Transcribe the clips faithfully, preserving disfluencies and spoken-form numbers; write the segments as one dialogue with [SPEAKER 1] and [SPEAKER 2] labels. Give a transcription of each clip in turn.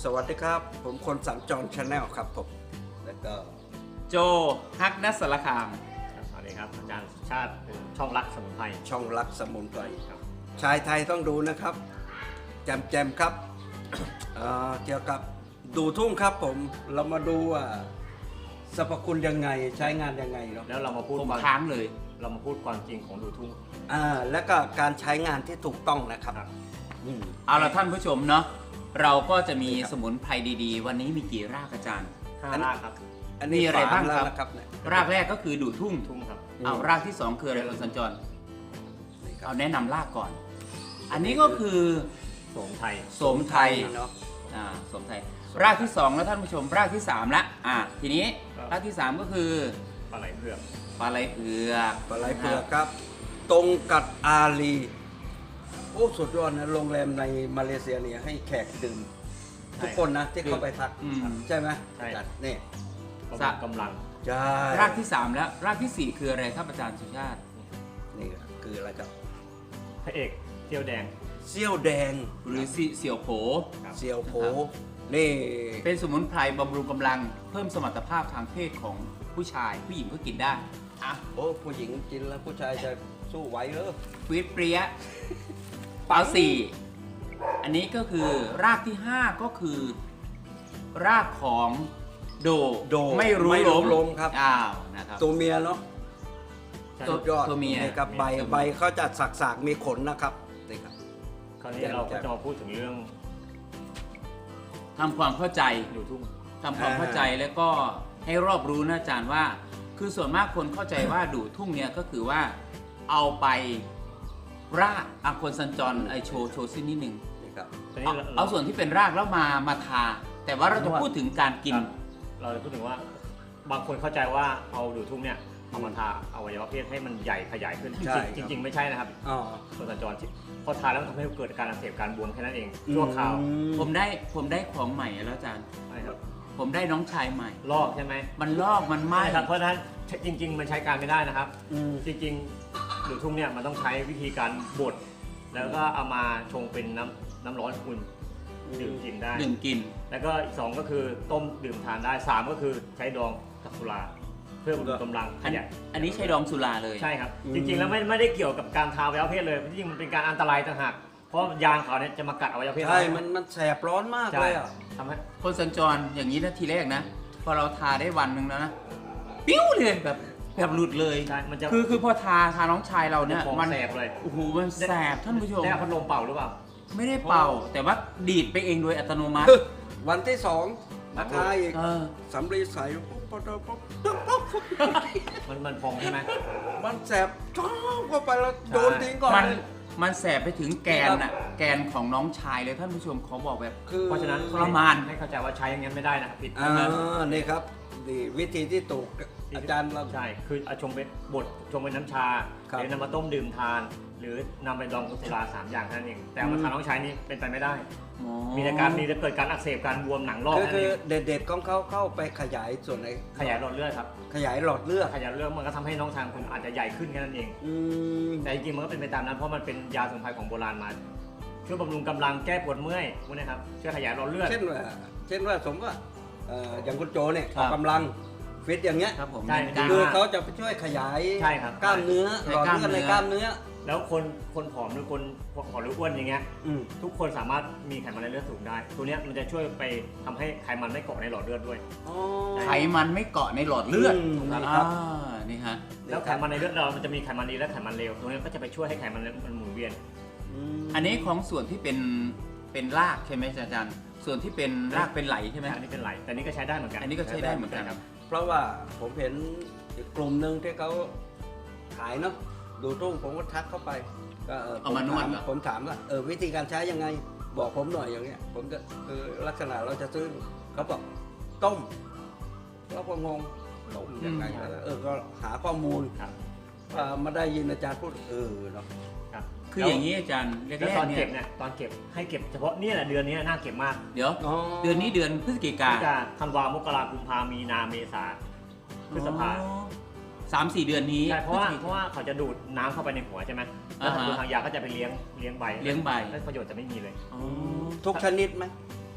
[SPEAKER 1] สวัสดีครับผมคนสัญจรชาแนลครับผมแล้วก็
[SPEAKER 2] โจฮักนัสสารคาม
[SPEAKER 3] สวัสดีครับอาจารย์ชาติช่องรักสมุนไพร
[SPEAKER 1] ช่องรักสมุนไพร
[SPEAKER 3] ครับ
[SPEAKER 1] ชายไทยต้องดูนะครับแจมแจมๆครับ เอ่อเกี่ยวกับดูทุ่งครับผมเรามาดูว่าสรรพคุณยังไงใช้งานยังไงเนาะ
[SPEAKER 3] แล้วเรามาพูด
[SPEAKER 2] ผม
[SPEAKER 3] ความ
[SPEAKER 2] ค้างเลย
[SPEAKER 3] เรามาพูดความจริงของดูทุ่ง
[SPEAKER 1] อ่าแล้วก็การใช้งานที่ถูกต้องนะครับ
[SPEAKER 3] ครับ
[SPEAKER 1] อืม
[SPEAKER 2] เอาละท่านผู้ชมเนาะเราก็จะมี
[SPEAKER 1] ครับ
[SPEAKER 2] สมุนไพรดีๆ วันนี้มีกี่รากอาจารย์
[SPEAKER 3] ห้า
[SPEAKER 1] อัน
[SPEAKER 3] รากครับ
[SPEAKER 1] อันนี้
[SPEAKER 2] มีอะไรบ้าง
[SPEAKER 1] ฝแล้ว
[SPEAKER 2] ครับ
[SPEAKER 1] นะครับเนี่ย
[SPEAKER 2] รากแรกก็คือดูดทุ่ง
[SPEAKER 3] ทุ่งครับ
[SPEAKER 2] เอารากที่สองคืออะไรคุณสัญจร
[SPEAKER 1] นี่ครับ
[SPEAKER 2] เอาแนะนำรากก่อน อันนี้ก็คือ
[SPEAKER 3] โสมไทย
[SPEAKER 2] โสมไทย
[SPEAKER 1] เนาะ
[SPEAKER 2] อ่าโสมไทย รากที่สองแล้วท่านผู้ชมรากที่สามละอ่าทีนี้รากที่สามก็คือ
[SPEAKER 3] ปลาไหลเผือก
[SPEAKER 2] ปลาไหลเผือก
[SPEAKER 1] ปลาไหลเผือกครับ ตรงกัดอาลีโอ้สุดยอดนะโรงแรมในมาเลเซียเนี่ยให้แขกดื่มทุกคนนะที่เข้าไปพัก
[SPEAKER 2] อืม
[SPEAKER 1] ใช่ไหม
[SPEAKER 3] ใช่
[SPEAKER 1] จัดนี่
[SPEAKER 3] บำรุงกำลัง
[SPEAKER 1] ใช่
[SPEAKER 2] รากที่สามแล้วรากที่สี่คืออะไรครับอาจารย์สุชาติ
[SPEAKER 1] นี่คืออะไรครับ
[SPEAKER 3] พระเอกเที่ยวแดง
[SPEAKER 1] เซี่ยวแดง
[SPEAKER 2] หรือสิเสี่ยวโผ
[SPEAKER 3] ครับ
[SPEAKER 1] เซียวโผนี่
[SPEAKER 2] เป็นสมุนไพรบำรุงกำลังเพิ่มสมรรถภาพทางเพศของผู้ชาย ผู้หญิงก็กินได้อ่ะ
[SPEAKER 1] โอ้ผู้หญิงกินแล้วผู้ชายจะสู้ไหวเหรอ
[SPEAKER 2] ฟิตเปรี้ยเอาสี่อันนี้ก็คือรากที่ห้าก็คือ รากของโด
[SPEAKER 1] โด
[SPEAKER 2] ไม่รู้
[SPEAKER 1] ไม่
[SPEAKER 2] ล้
[SPEAKER 1] รู้
[SPEAKER 2] ม
[SPEAKER 1] ลมครับ
[SPEAKER 2] อ้าวนะครับ
[SPEAKER 1] ตัวเมียเนาะ
[SPEAKER 3] ใช่
[SPEAKER 2] ตัว
[SPEAKER 1] สุดยอด
[SPEAKER 2] ตัวเมีย
[SPEAKER 1] นี่ครับใบ
[SPEAKER 2] ตัวเมีย
[SPEAKER 1] ใบเขาจะสักๆมีขนนะครับนี่ครับ
[SPEAKER 3] คราวนี้เราก็จะมาพูดถึงเรื่อง
[SPEAKER 2] ทำความเข้าใจ
[SPEAKER 3] ดูทุ่ง
[SPEAKER 2] ทำความเข้าใจแล้วก็ให้รอบรู้นะอาจารย์ว่า คือส่วนมากคนเข้าใจว่าดูดทุ่งเนี่ยก็คือว่าเอาไปรากอาคนสัญจรไอโชว์โชว์สิ้นนิดนึง
[SPEAKER 1] นี่ครับ
[SPEAKER 3] ตอน
[SPEAKER 2] เอา
[SPEAKER 3] นี้เรา
[SPEAKER 2] เอาส่วนที่เป็นรากแล้วมามาทา แต่ว่าเราจะพูดถึงการกิน
[SPEAKER 3] ครับเราจะพูดถึงว่าบางคนเข้าใจว่าเอาดูทุ่งเนี่ยเอามาทาอวัยวะเพศให้มันใหญ่ขยายขึ้น
[SPEAKER 1] ใช่
[SPEAKER 3] จริงๆจริง ๆ ไม่ใช่นะครับ
[SPEAKER 1] อ๋อ
[SPEAKER 3] คนสัญจรที่พอทาแล้วมันทำให้เกิดการอักเสบการบวมแค่นั้นเองชั่วคราว
[SPEAKER 1] อืม
[SPEAKER 2] ผมได้ผมได้ของใหม่แล้วอาจารย์
[SPEAKER 3] ใช่ครับ
[SPEAKER 2] ผมได้น้องชายใหม่
[SPEAKER 3] ลอกใช่ไหม
[SPEAKER 2] มันลอกมันไหม้
[SPEAKER 3] ใช่ครับเพราะฉะนั้นจริง ๆ มันใช้การไม่ได้นะครับ
[SPEAKER 1] อืม
[SPEAKER 3] จริงๆดูทุ่งเนี่ยมันต้องใช้วิธีการบดแล้วก็เอามาชงเป็นน้ำน้ำร้อนอุ่นดื่มกินได้
[SPEAKER 2] หนึ่งกิน
[SPEAKER 3] แล้วก็อีกสองก็คือต้มดื่มทานได้สามก็คือใช้ดองกับสุราเพื่อบำรุงกำลังข
[SPEAKER 2] อัน
[SPEAKER 3] ยาย
[SPEAKER 2] อันนี้ใช้ดองสุราเลย
[SPEAKER 3] ใช่ครับ
[SPEAKER 1] อืม
[SPEAKER 3] จริงๆแล้วไม่ไม่ได้เกี่ยวกับการทาอวัยวะเพศเลยจริงๆมันเป็นการอันตรายต่างหากเพราะยางเขาเนี่ยจะมากัดอวัยวะเพศ
[SPEAKER 1] ใช่มันมันแสบร้อนมาก
[SPEAKER 3] ใช่
[SPEAKER 1] เลยอ่ะ
[SPEAKER 3] ทำให้
[SPEAKER 2] คนสัญจรอย่างนี้นะทีแรกนะ พอเราทาได้วันหนึ่งแล้วนะปิ้วเลยแบบแบบหลุดเลย
[SPEAKER 3] ใช่มันจะ
[SPEAKER 2] คือคือพอทาทาน้องชายเราเนี่ย
[SPEAKER 3] ของ
[SPEAKER 2] มัน
[SPEAKER 3] แสบเลย
[SPEAKER 2] โอ้โหมันแสบท่านผู้ชม
[SPEAKER 3] ได้เอาพัดลมเป่าหรือเปล่า
[SPEAKER 2] ไม่ได้เป่า แต่ว่าดีดไปเองโดยอัตโนมัติ
[SPEAKER 1] วันที่สองมาทายอีก
[SPEAKER 2] เออ
[SPEAKER 1] สำลีใสปุ๊บปุ๊บปุ๊บปุ๊บปุ๊บปุ๊บ
[SPEAKER 3] มันมันพองใช่ไหม
[SPEAKER 1] มันแสบจ้องเข้าไปแล้วโดนทิ้งก่อน
[SPEAKER 2] มันมันแสบไปถึงแกนน่ะแกนของน้องชายเลยท่านผู้ชมเขาบอกแบบ
[SPEAKER 1] คือ
[SPEAKER 3] เพราะฉะนั้น
[SPEAKER 2] ทรมาน
[SPEAKER 3] ให้เข้าใจว่าใช้อย่างนั้นไม่ได้นะครับผิด
[SPEAKER 1] อ่านี่ครับนี่วิธีที่ถูกอาจารย์เรา
[SPEAKER 3] ใช่ คือเอาชงเป็นบดชงเป็นน้ำชา
[SPEAKER 1] ครับ
[SPEAKER 3] หรือนำมาต้มดื่มทาน หรือนำไปดองกับสุราสามอย่างเท่านั้นเอง แต่เอามาทานน้องใช้นี่เป็นไปไม่ได้
[SPEAKER 2] อ๋อ
[SPEAKER 3] มีแต่การมีแต่เกิดการอักเสบการบวมหนังลอก
[SPEAKER 1] คือ
[SPEAKER 3] นั่น
[SPEAKER 1] คื
[SPEAKER 3] เอ
[SPEAKER 1] อง เด็ดๆของเขาเข้าไปขยายส่วนไหน
[SPEAKER 3] ขยายหลอดเลือดครับ
[SPEAKER 1] ขยายหลอดเลือด
[SPEAKER 3] ขยายหลอดเลือดมันก็ทำให้น้องชายคุณอาจจะใหญ่ขึ้นแค่นั้นเอง
[SPEAKER 1] อืม
[SPEAKER 3] แต่จริงๆมันก็เป็นไปตามนั้นเพราะมันเป็นยาสมุนไพรของโบราณมา ช่วยบำรุงกำลังแก้ปวดเมื่อยพวกนี้ครับ ช่วยขยายหลอดเลือด
[SPEAKER 1] เช่นว่าเช่นว่าสมมติว่าเอ่ออย่างคุณโจเนี่ย
[SPEAKER 2] ครั
[SPEAKER 1] อบ อกกำลังฟิตอย่างเงี้ย
[SPEAKER 2] ครับผม
[SPEAKER 3] ใช่
[SPEAKER 2] กล้าม
[SPEAKER 1] คือ
[SPEAKER 2] มาก
[SPEAKER 1] เขาจะไปช่วยขยาย
[SPEAKER 3] ใช่ครับ
[SPEAKER 1] กล้ามเนื้อ
[SPEAKER 2] ใช่
[SPEAKER 1] หลอดเลือดใน
[SPEAKER 2] ก
[SPEAKER 1] ก
[SPEAKER 2] ล้า
[SPEAKER 1] ล้าม ม
[SPEAKER 2] เนื้
[SPEAKER 1] เนื้
[SPEAKER 2] อ
[SPEAKER 1] อ
[SPEAKER 3] แล้วคนคนผอมหรือคนผอมหรืออ้วนอย่างเงี้ย
[SPEAKER 1] อืม
[SPEAKER 3] ทุกคนสามารถมีไขมันในเลือดสูงได้ ตัวเนี้ยมันจะช่วยไปทำให้ไขมันไม่เกาะในหลอดเลือดด้วย
[SPEAKER 1] อ๋อ
[SPEAKER 2] ไขมันไม่เกาะในหลอดเลือด
[SPEAKER 1] อืม
[SPEAKER 2] อ่า
[SPEAKER 1] นี่ครับ
[SPEAKER 2] นี่ฮะ
[SPEAKER 3] แล้วไขมันในเลือดเรามันจะมีไขมันดีและไขมันเลว ตรงนี้ก็จะไปช่วยให้ไขมันมันหมุนเวียน
[SPEAKER 1] ม
[SPEAKER 2] อันนี้ของส่วนที่เป็นเป็นรากใช่ไหมอาจารย์ ส่วนที่เป็นรากเป็นไหลใช่ไหม
[SPEAKER 3] อันนี้เป็นไหล แต่นี่ก็ใช้ได้เหมือนกัน
[SPEAKER 2] อันนี้ก็ใช้ได้เหมือนกัน
[SPEAKER 3] ครับ
[SPEAKER 1] เพราะว่าผมเห็นอีกกลุ่มหนึ่งที่เขาขายเนาะดูทุ่งผมก็ทักเข้าไปก็เออ
[SPEAKER 2] เอามานวด
[SPEAKER 1] ผถ
[SPEAKER 2] เหรอ
[SPEAKER 1] ผมถามว่าเออวิธีการใช้ยังไงบอกผมหน่อยอย่างเงี้ยผมก็คือลักษณะเราจะซื้อเขาบอกต้มเราก็งงต้มยังไงเออก็หาข้อมูล
[SPEAKER 3] ครับ
[SPEAKER 1] อ่ามาได้ยินอาจารย์พูดเออเนาะ
[SPEAKER 3] ครับ
[SPEAKER 2] คืออย่างนี้อาจารย์แร
[SPEAKER 3] แล้วตอก น
[SPEAKER 2] ๆเนี่
[SPEAKER 3] เก็
[SPEAKER 2] ย
[SPEAKER 3] บเนี่ยตอนเก็บให้เก็บเฉพาะเนี่ยแหละเดือนนี้น่าเก็บมาก
[SPEAKER 2] เดี๋ยว เดือนนี้เดือนพฤศจิกา
[SPEAKER 3] พฤศจิกาธันวามกรากุมภามีนาเมษาพฤษภา
[SPEAKER 2] อ๋อสามสี่เดือนนี้
[SPEAKER 3] ใช่เพราะว่า
[SPEAKER 2] พฤศจิก
[SPEAKER 3] เพราะว่าเขาจะดูดน้ำเข้าไปในหัวใช่ไหมแล้ว
[SPEAKER 2] อ่าฮะ
[SPEAKER 3] ทางทางยาก็จะไปเลี้ยงเลี้ยงใบ
[SPEAKER 2] เลี้ยงใบ
[SPEAKER 3] แล้วประโยชน์จะไม่มีเลย
[SPEAKER 2] อ๋อ
[SPEAKER 1] ทุกชนิดไหม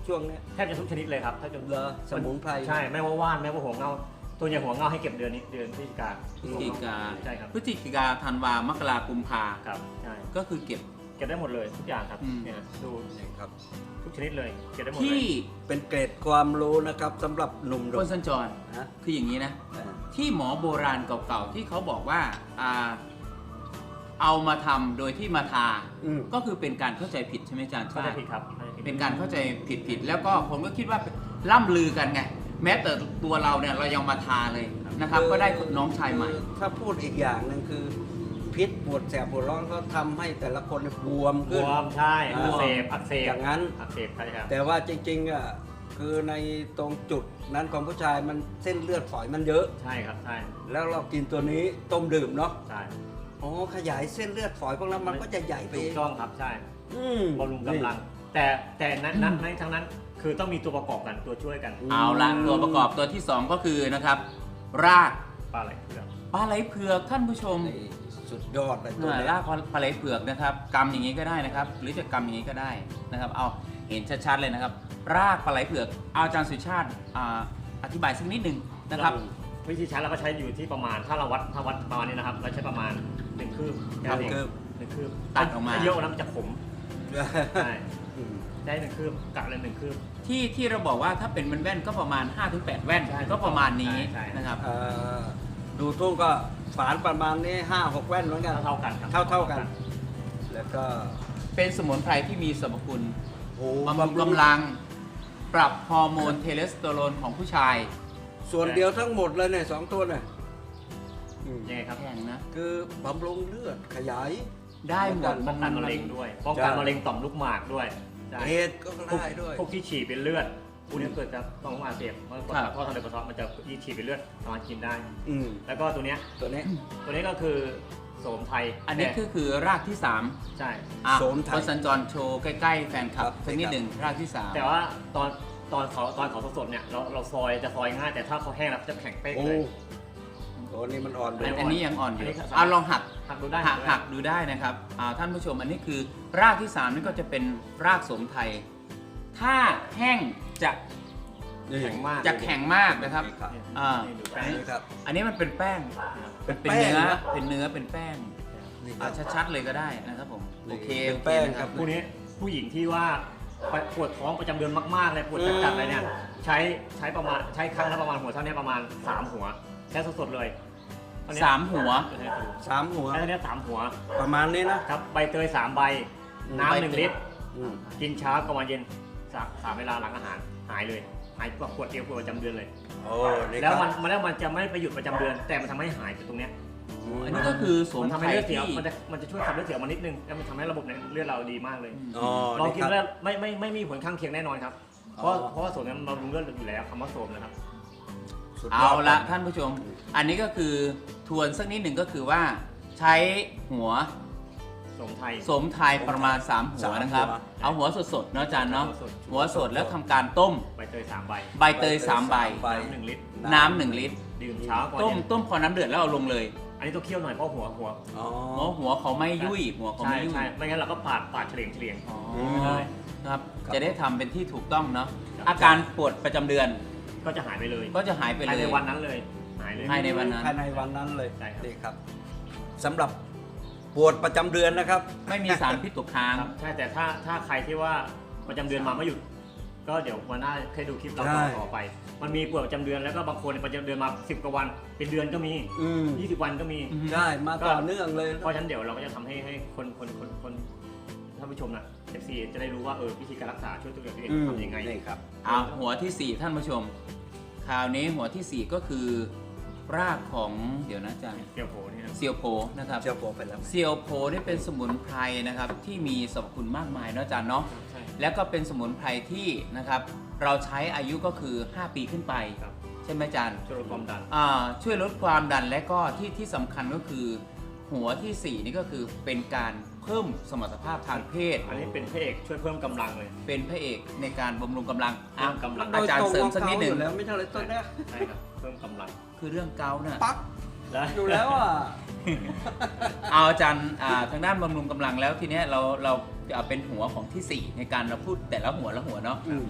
[SPEAKER 1] ช่วงเนี้ย
[SPEAKER 3] แทบจะทุกชนิดเลยครับถ้าจะ
[SPEAKER 1] เหรอสมุนไพร
[SPEAKER 3] ใช่ไม่ว่าว่านไม่ว่าหัวเงาตัวอย่างหัวเงาให้เก็บเดือนนี้เดือนพฤศจิกา
[SPEAKER 2] พฤศจิกา
[SPEAKER 3] ใช่ครับ
[SPEAKER 2] พฤศจิกาธันวามกรากุมภา
[SPEAKER 3] ครับใช่
[SPEAKER 2] ก็คือเก็บ
[SPEAKER 3] เก็บได้หมดเลยทุกอย่างครับ
[SPEAKER 2] อืม
[SPEAKER 3] เนี่ยดู
[SPEAKER 1] นี่ครับ
[SPEAKER 3] ทุกชนิดเลยเก็บได้หมดเล
[SPEAKER 2] ที่
[SPEAKER 3] ย
[SPEAKER 1] เป็นเกร็ดความรู้นะครับสำหรับหนุ่ม
[SPEAKER 2] คนสัญจร
[SPEAKER 1] ๆนะ
[SPEAKER 2] คืออย่างนี้นะ
[SPEAKER 1] เออ
[SPEAKER 2] ที่หมอโบราณเก่าๆที่เขาบอกว่าอ่าเอามาทำโดยที่มาทา
[SPEAKER 1] อืม
[SPEAKER 2] ก็คือเป็นการเข้าใจผิดใช่ไหมอาจารย์
[SPEAKER 3] เข้าใจผิดครับเข้าใจผิด
[SPEAKER 2] เป็นการเข้าใจผิดผิดๆแล้วก็ผมก็คิดว่าล่ำลือกันไง แม้แต่ตัวเราเนี่ยเรายังมาทาเลยนะครับ ก็ได้น้องชายใหม่
[SPEAKER 1] ถ้าพูดอีกอย่างหนึ่งคือ พิษปวดแสบปวดร้อนก็ทำให้แต่ละคนบวม
[SPEAKER 3] บ
[SPEAKER 1] ขึ้น
[SPEAKER 3] วมใช่
[SPEAKER 1] อ่า
[SPEAKER 3] อักเสบอักเสบ
[SPEAKER 1] อย่างนั้น
[SPEAKER 3] อักเสบใช่ครับ
[SPEAKER 1] แต่ว่าจริงๆอ่ะคือในตรงจุดนั้นของผู้ชายมันเส้นเลือดฝอยมันเยอะ
[SPEAKER 3] ใช่ครับใช่
[SPEAKER 1] แล้วเรากินตัวนี้ต้มดื่มเนาะ
[SPEAKER 3] ใช่
[SPEAKER 1] อ๋อขยายเส้นเลือดฝอยพวกนั้นมันก็จะใหญ่ไป
[SPEAKER 3] ถู
[SPEAKER 1] เอก ง
[SPEAKER 3] ต้องครับใช่
[SPEAKER 1] อืม
[SPEAKER 3] บำรุงกำลัง แต่แต่นั้นนั้นในทั้งนั้นคือต้องมีตัวประกอบกันตัวช่วยกัน
[SPEAKER 2] เอาละตัวประกอบตัวที่สองก็คือนะครับ ราก
[SPEAKER 3] ปลาไหลเผือก
[SPEAKER 2] ปลาไหลเผือกท่านผู้ชม
[SPEAKER 1] นี่สุดยอดเลยตัว
[SPEAKER 2] อ่า
[SPEAKER 1] นี้
[SPEAKER 2] รากปลาไหลเผือกนะครับกำอย่างนี้ก็ได้นะครับ หรือจะกำอย่างนี้ก็ได้นะครับ เอาเห็นชัดๆเลยนะครับ รากปลาไหลเผือกเอาอาจารย์สุชาติอ่าอธิบายสักนิดหนึ่งนะครับ
[SPEAKER 3] วิธีใช้เราก็ใช้อยู่ที่ประมาณถ้าเราวัดถ้าวัดประมาณนี้นะครับเราใช้ประมาณหนึ่งคืบแค่นั้นเอง
[SPEAKER 1] คืบ
[SPEAKER 3] หนึ่งคืบ
[SPEAKER 2] ตัดออกมา
[SPEAKER 3] ถ้เยอะกว่านั้นมันจะขมใช่
[SPEAKER 1] อืม
[SPEAKER 3] ได้หนึ่งคืบกะเลยหนึ่งคืบ
[SPEAKER 2] ที่ที่เราบอกว่าถ้าเป็นแว่นๆก็ประมาณ ห้าถึงแปด แว่น
[SPEAKER 3] ใช่
[SPEAKER 2] ก็ประมาณนี้
[SPEAKER 3] ใช่ใช่
[SPEAKER 2] นะครับ
[SPEAKER 1] เอ่อดูทุ่งก็ฝานประมาณนี้ห้าหกแว่นเหมือนกัน
[SPEAKER 3] เท่าๆกันครับ
[SPEAKER 1] เท่าเท่าๆกัน แล้วก็
[SPEAKER 2] เป็นสมุนไพรที่มีสรรพคุณ
[SPEAKER 1] โอ้
[SPEAKER 2] บำรุงกำลัง ปรับฮอร์โมนเทสโทสเตอโรนของผู้ชาย
[SPEAKER 1] ส่วนเดียวทั้งหมดเลยเนี่ยสองตัวเนี่ยอืม
[SPEAKER 3] ยังไงครับ
[SPEAKER 2] แพงนะ
[SPEAKER 1] คือบำรุงเลือดขยาย
[SPEAKER 2] ได้หมด
[SPEAKER 3] ป้องกันมะเร็งด้วยป้องกันมะเร็งต่อมลูกหมากด้วยใช่
[SPEAKER 1] เอดส์ก็
[SPEAKER 3] พวก
[SPEAKER 1] ได้ด้วย
[SPEAKER 3] พวกที่ฉี่เป็นเลือดพวกนี้เกิดจากต่อมลูกหมากอักเสบเพราะ
[SPEAKER 2] ครับ
[SPEAKER 3] ท่อทางเดินปัสสาวะมันจะยี่ฉี่เป็นเลือดสามารถกินได้
[SPEAKER 1] อืม
[SPEAKER 3] แล้วก็ตัวเนี้ย
[SPEAKER 1] ตัวนี้
[SPEAKER 3] ตัวนี้ก็คือโสมไทย
[SPEAKER 2] อันนี้
[SPEAKER 3] แต่
[SPEAKER 2] คือคือรากที่สาม
[SPEAKER 3] ใช่
[SPEAKER 2] อ่ะ
[SPEAKER 1] โสมไทย
[SPEAKER 2] คนสัญจรโชว์ใกล้ๆแฟนคลั
[SPEAKER 1] ครับ บ
[SPEAKER 2] สักนิดหนึ่งรากที่สาม
[SPEAKER 3] แต่ว่าตอนตอนเขาตอนเขาสดๆเนี่ยเราเราซอยจะซอยง่ายแต่ถ้าเขาแห้งแล้วเขาจะแข็งเป๊ก
[SPEAKER 1] โอ้
[SPEAKER 3] เลย
[SPEAKER 1] ตัวนี้มันอ่อน
[SPEAKER 2] อั
[SPEAKER 1] ด้วน ย
[SPEAKER 2] อันนี้ยังอ่อนอยู่
[SPEAKER 3] อันนี้ครับ
[SPEAKER 2] เอาลองหัก
[SPEAKER 3] หักดูได้
[SPEAKER 2] หัก
[SPEAKER 3] ดูได้
[SPEAKER 2] หักดูได้นะครับอ่าท่านผู้ชมอันนี้คือรากที่สามนี่ก็จะเป็นรากโสมไทย ถ้าแห้งจะ
[SPEAKER 1] นี่
[SPEAKER 3] แข็งมาก
[SPEAKER 2] จะแข็งมากนะครับ
[SPEAKER 1] ครับ
[SPEAKER 2] อ่า
[SPEAKER 3] นี่ดูแป้ง
[SPEAKER 1] นี่ครับ
[SPEAKER 2] อันนี้มันเป็นแป้ง
[SPEAKER 1] เป็น
[SPEAKER 2] เป็น
[SPEAKER 1] แป้ง
[SPEAKER 2] เนื้อ
[SPEAKER 1] นะ
[SPEAKER 2] เป็นเนื้อเป็นแป้ง
[SPEAKER 1] นี่ค
[SPEAKER 2] เอา
[SPEAKER 1] รับ
[SPEAKER 2] ชัดๆเลยก็ได้นะครับผม
[SPEAKER 1] นี่
[SPEAKER 2] โอเค
[SPEAKER 1] เป็น
[SPEAKER 2] โอเค
[SPEAKER 1] แป้ง
[SPEAKER 2] นะครับ
[SPEAKER 3] พวกนี้ผู้หญิงที่ว่าปวดท้องประจำเดือนมากๆเลยปวดจัดๆอะไรเนี่ยใช้ใช้ประมาณใช้ครั้งละประมาณหัวเท่านี้ประมาณสามหัวใช้สดๆเลยเท่นี้
[SPEAKER 2] สามหัว
[SPEAKER 3] ใช้
[SPEAKER 1] สามหัว
[SPEAKER 3] เท่านี้สามหัว
[SPEAKER 1] ประมาณนี้นะครับ
[SPEAKER 3] ใบเตยสามใบ
[SPEAKER 1] อืม
[SPEAKER 3] น้ำหนึ่งลิตร
[SPEAKER 1] อืม
[SPEAKER 3] กินเช้ากับวันเย็นสามสามเวลาหลังอาหารหายเลยหายกว่าปวดเอวปวดประจำเดือนเลย
[SPEAKER 1] โอ้นี่
[SPEAKER 3] แล้ว
[SPEAKER 1] ครับ
[SPEAKER 3] มันมันแล้วมันจะไม่ไปหยุดประจำเดือน แต่มันทำให้หายจากตรงเนี้ย
[SPEAKER 2] อันนี้ก็คือโสม
[SPEAKER 3] มันทำ
[SPEAKER 2] ไพ
[SPEAKER 3] ให้
[SPEAKER 2] ร
[SPEAKER 3] เลือดเสีย
[SPEAKER 2] ที่
[SPEAKER 3] มันจะมันจะช่วยขับเลือดเสียมานิดนึงแล้วมันทำให้ระบบในเลือดเราดีมากเลย
[SPEAKER 1] อ๋อ
[SPEAKER 3] ลองกิน
[SPEAKER 1] ครับ
[SPEAKER 3] แล้วไม่ไม่ไม่มีผลข้างเคียงแน่นอนครับ เพราะ
[SPEAKER 1] อ๋อ
[SPEAKER 3] เพราะว่าโสมนั้นมันบำรุงเลือดอยู่แล้วคำว่าโสมนะครับ
[SPEAKER 1] สุดย
[SPEAKER 2] เอา
[SPEAKER 1] ด
[SPEAKER 2] ละท่านผู้ชม อันนี้ก็คือทวนสักนิดหนึ่งก็คือว่าใช้หัว
[SPEAKER 3] โสมไทย
[SPEAKER 2] สมไทยประมาณสามหัวนะครับ เอาหัวสดๆเนาะอาจารย์เนาะ
[SPEAKER 3] สดๆ
[SPEAKER 2] หัวสดแล้วทำการต้ม
[SPEAKER 3] ใบเตยสามใบ
[SPEAKER 2] ใบเตยสามใบ
[SPEAKER 1] ใบ
[SPEAKER 3] น้ำหนึ่งลิตร
[SPEAKER 2] น้ำหนึ่งลิตร
[SPEAKER 3] ดื่มเช้าก่อน
[SPEAKER 2] ต้ม
[SPEAKER 3] เย็น
[SPEAKER 2] ต้มพอน้ำเดือดแล้วเอาลงเลย
[SPEAKER 3] อันนี้ต้องเคี่ยวหน่อยเพราะหัวหัว
[SPEAKER 1] อ๋อ
[SPEAKER 2] หัวหัวเขาไม่ยุ่ยหัวเขา
[SPEAKER 3] ใช่
[SPEAKER 2] ไม่ยุ่ย
[SPEAKER 3] ใช่ไม่งั้นเราก็ปาดปาดเฉลียงเฉลียง
[SPEAKER 2] อ๋อ
[SPEAKER 1] ม
[SPEAKER 3] เลย
[SPEAKER 2] ครับ
[SPEAKER 1] ครับ
[SPEAKER 2] จะได้ทำเป็นที่ถูกต้องเนาะ
[SPEAKER 3] ครับ
[SPEAKER 2] อาการปวดประจำเดือน
[SPEAKER 3] ก็จะหายไปเลย
[SPEAKER 2] ก็จะหายไป
[SPEAKER 3] ภาย
[SPEAKER 2] เล
[SPEAKER 3] ใน
[SPEAKER 2] ย
[SPEAKER 3] วันนั้นเลยหายเลย
[SPEAKER 2] ภายในวันนั้น
[SPEAKER 1] ภายในวันนั้นเลย
[SPEAKER 3] ใช่ครับ
[SPEAKER 1] นี่ครับสำหรับปวดประจำเดือนนะครับ
[SPEAKER 2] ไม่มีสารพิษตกค้าง
[SPEAKER 3] ครับใช่แต่ถ้าถ้าใครที่ว่าประจำเดือนมาไม่หยุด ก็เดี๋ยววันหน้าเคยดูคลิปเรา
[SPEAKER 1] ใช่
[SPEAKER 3] ต่อต่อไป มันมีปวดประจำเดือนแล้วก็บางคนประจำเดือนมาสิบกว่าวัน เป็นเดือนก็มี
[SPEAKER 1] อืม
[SPEAKER 3] ยี่สิบวันก็มี
[SPEAKER 2] อืม
[SPEAKER 1] ได้มาต่อเนื่องเลย
[SPEAKER 3] เพราะฉะนั้นเดี๋ยวเราก็จะทำให้ให้คนคนคนคนท่านผู้ชมนะ เอฟ ซี จะได้รู้ว่าเออวิธีการรักษาช่วยตัวเอง
[SPEAKER 1] อืม
[SPEAKER 3] ทำยังไง
[SPEAKER 1] นี่ครับ
[SPEAKER 2] เอาหัวที่สี่ท่านผู้ชม คราวนี้หัวที่สี่ก็คือ รากของเดี๋ยวนะอาจารย์
[SPEAKER 3] เกี่ยวโผล่นี่นะ
[SPEAKER 2] เซียวโพนะครับ
[SPEAKER 1] เจ้าโปไปแล้ว
[SPEAKER 2] เซียวโพนี่เป็นสมุนไพรนะครับที่มีสรรพคุณมากมายเนาะอาจารย์เนาะ
[SPEAKER 3] ใช่
[SPEAKER 2] แล้วก็เป็นสมุนไพรที่นะครับเราใช้อายุก็คือ ห้า ปีขึ้นไป
[SPEAKER 3] ครับ
[SPEAKER 2] ใช่ไหมอาจารย์
[SPEAKER 3] ช่วยลดความดัน
[SPEAKER 2] อ่าช่วยลดความดันและก็ที่ที่สำคัญก็คือ หัวที่สี่นี่ก็คือเป็นการเพิ่มสมรรถภาพทางเพศ
[SPEAKER 3] อันนี้เป็นพระเอกช่วยเพิ่มกำลังเลย
[SPEAKER 2] เป็นพระเอกในการบำรุงกำลังอ่ะ
[SPEAKER 3] เพิ่มกำลัง
[SPEAKER 2] อาจารย์เสริมสักนิดหนึ่ง
[SPEAKER 1] โดยตรของเขาอยู่แล้วไม่ใช่เลยต้นเนี้ย
[SPEAKER 3] ใช่ครับเพิ่มกำลัง
[SPEAKER 2] คือเรื่องเกาต์น่ะ
[SPEAKER 1] ปัก
[SPEAKER 3] แล้ว
[SPEAKER 1] อยู่แล้วอ่ะ
[SPEAKER 2] เอาอาจารย์อ่าทางด้านบำรุงกำลังแล้วทีเนี้ยเราเราเอาเป็นหัวของที่สี่ในการเราพูดแต่ละหัวละหัวเนาะ
[SPEAKER 1] อืม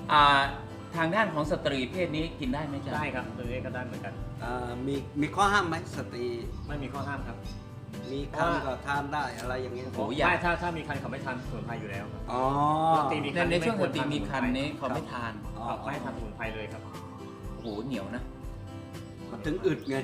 [SPEAKER 2] อ่าทางด้านของสตรีเพศนี้กินได้ไหมจ๊ะ
[SPEAKER 3] ได้ครับตัวนี้ก็ได้เหมือนกัน
[SPEAKER 1] อ่ามีมีข้อห้ามไหมสตรี
[SPEAKER 3] ไม่มีข้อห้ามครับ
[SPEAKER 1] มีคันก็ทานได้อะไรอย่างเงี้ย
[SPEAKER 2] โอ้โหอยาก
[SPEAKER 3] ไม่ถ้าถ้ามีคันเขาไม่ทานสมุนไพรอยู่แล้วครับ
[SPEAKER 1] อ๋อ
[SPEAKER 3] สตรีมี
[SPEAKER 2] ในในช่วงสตรีมีคันนี้เขาไม่ทาน
[SPEAKER 1] อ๋อ
[SPEAKER 3] ครับไม่ทานสมุนไพรเลยครับ
[SPEAKER 2] โอ้โหเหนียวนะ
[SPEAKER 1] มันถึงอึดไง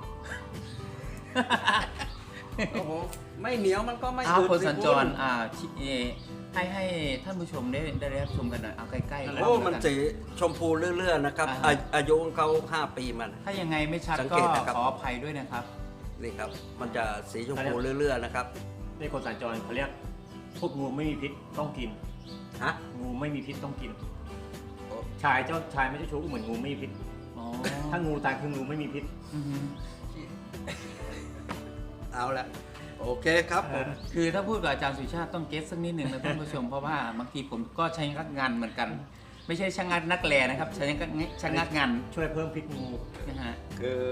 [SPEAKER 1] โอ้โหไม่เหนียวมันก็ไม่
[SPEAKER 2] เอา
[SPEAKER 1] อึด
[SPEAKER 2] คน
[SPEAKER 1] สิ
[SPEAKER 2] สัญจร
[SPEAKER 1] คุณ
[SPEAKER 2] อ่าชิเอให้ให้ท่านผู้ชมได้ได้รับชมกันหน่อยเอาใกล้ๆ
[SPEAKER 1] โอ้
[SPEAKER 2] แล้วกั
[SPEAKER 1] มันสีชมพูเรื่อยๆนะครับ
[SPEAKER 2] อ่า
[SPEAKER 1] อาอายุของเขาห้าปีมัน
[SPEAKER 2] ถ้ายังไงไม่ชัด
[SPEAKER 1] สัง
[SPEAKER 2] ก็
[SPEAKER 1] เกตนะครับ
[SPEAKER 2] ขออภัยด้วยนะครับ
[SPEAKER 1] นี่ครับ มันจะสีชมพูเรื่อยๆนะครับ
[SPEAKER 3] นี่คนสัญจรเขาเรียกพวกงูไม่มีพิษต้องกิน
[SPEAKER 1] ฮะ
[SPEAKER 3] งูไม่มีพิษต้องกิน
[SPEAKER 1] โอ้
[SPEAKER 3] ชายเจ้าชายไม่เจ้าชู้ก็เหมือนงูไม่มีพิษ
[SPEAKER 2] อ๋อ
[SPEAKER 3] ถ้างูตายคืองูไม่มีพิษ
[SPEAKER 2] อือฮึ
[SPEAKER 1] เอาละโอเคครับผม
[SPEAKER 2] คือถ้าพูดกับอาจารย์สุชาติต้องเก็ตสักนิดหนึ่งนะท่านผู้ชม เพราะว่าบางทีผมก็ใช้งักงานเหมือนกัน ไม่ใช่ช่างงักนักแลนะครับใช้งักช่างงักงาน
[SPEAKER 3] ช่วยเพิ่มพิษงู
[SPEAKER 2] นะฮะ
[SPEAKER 1] คือบ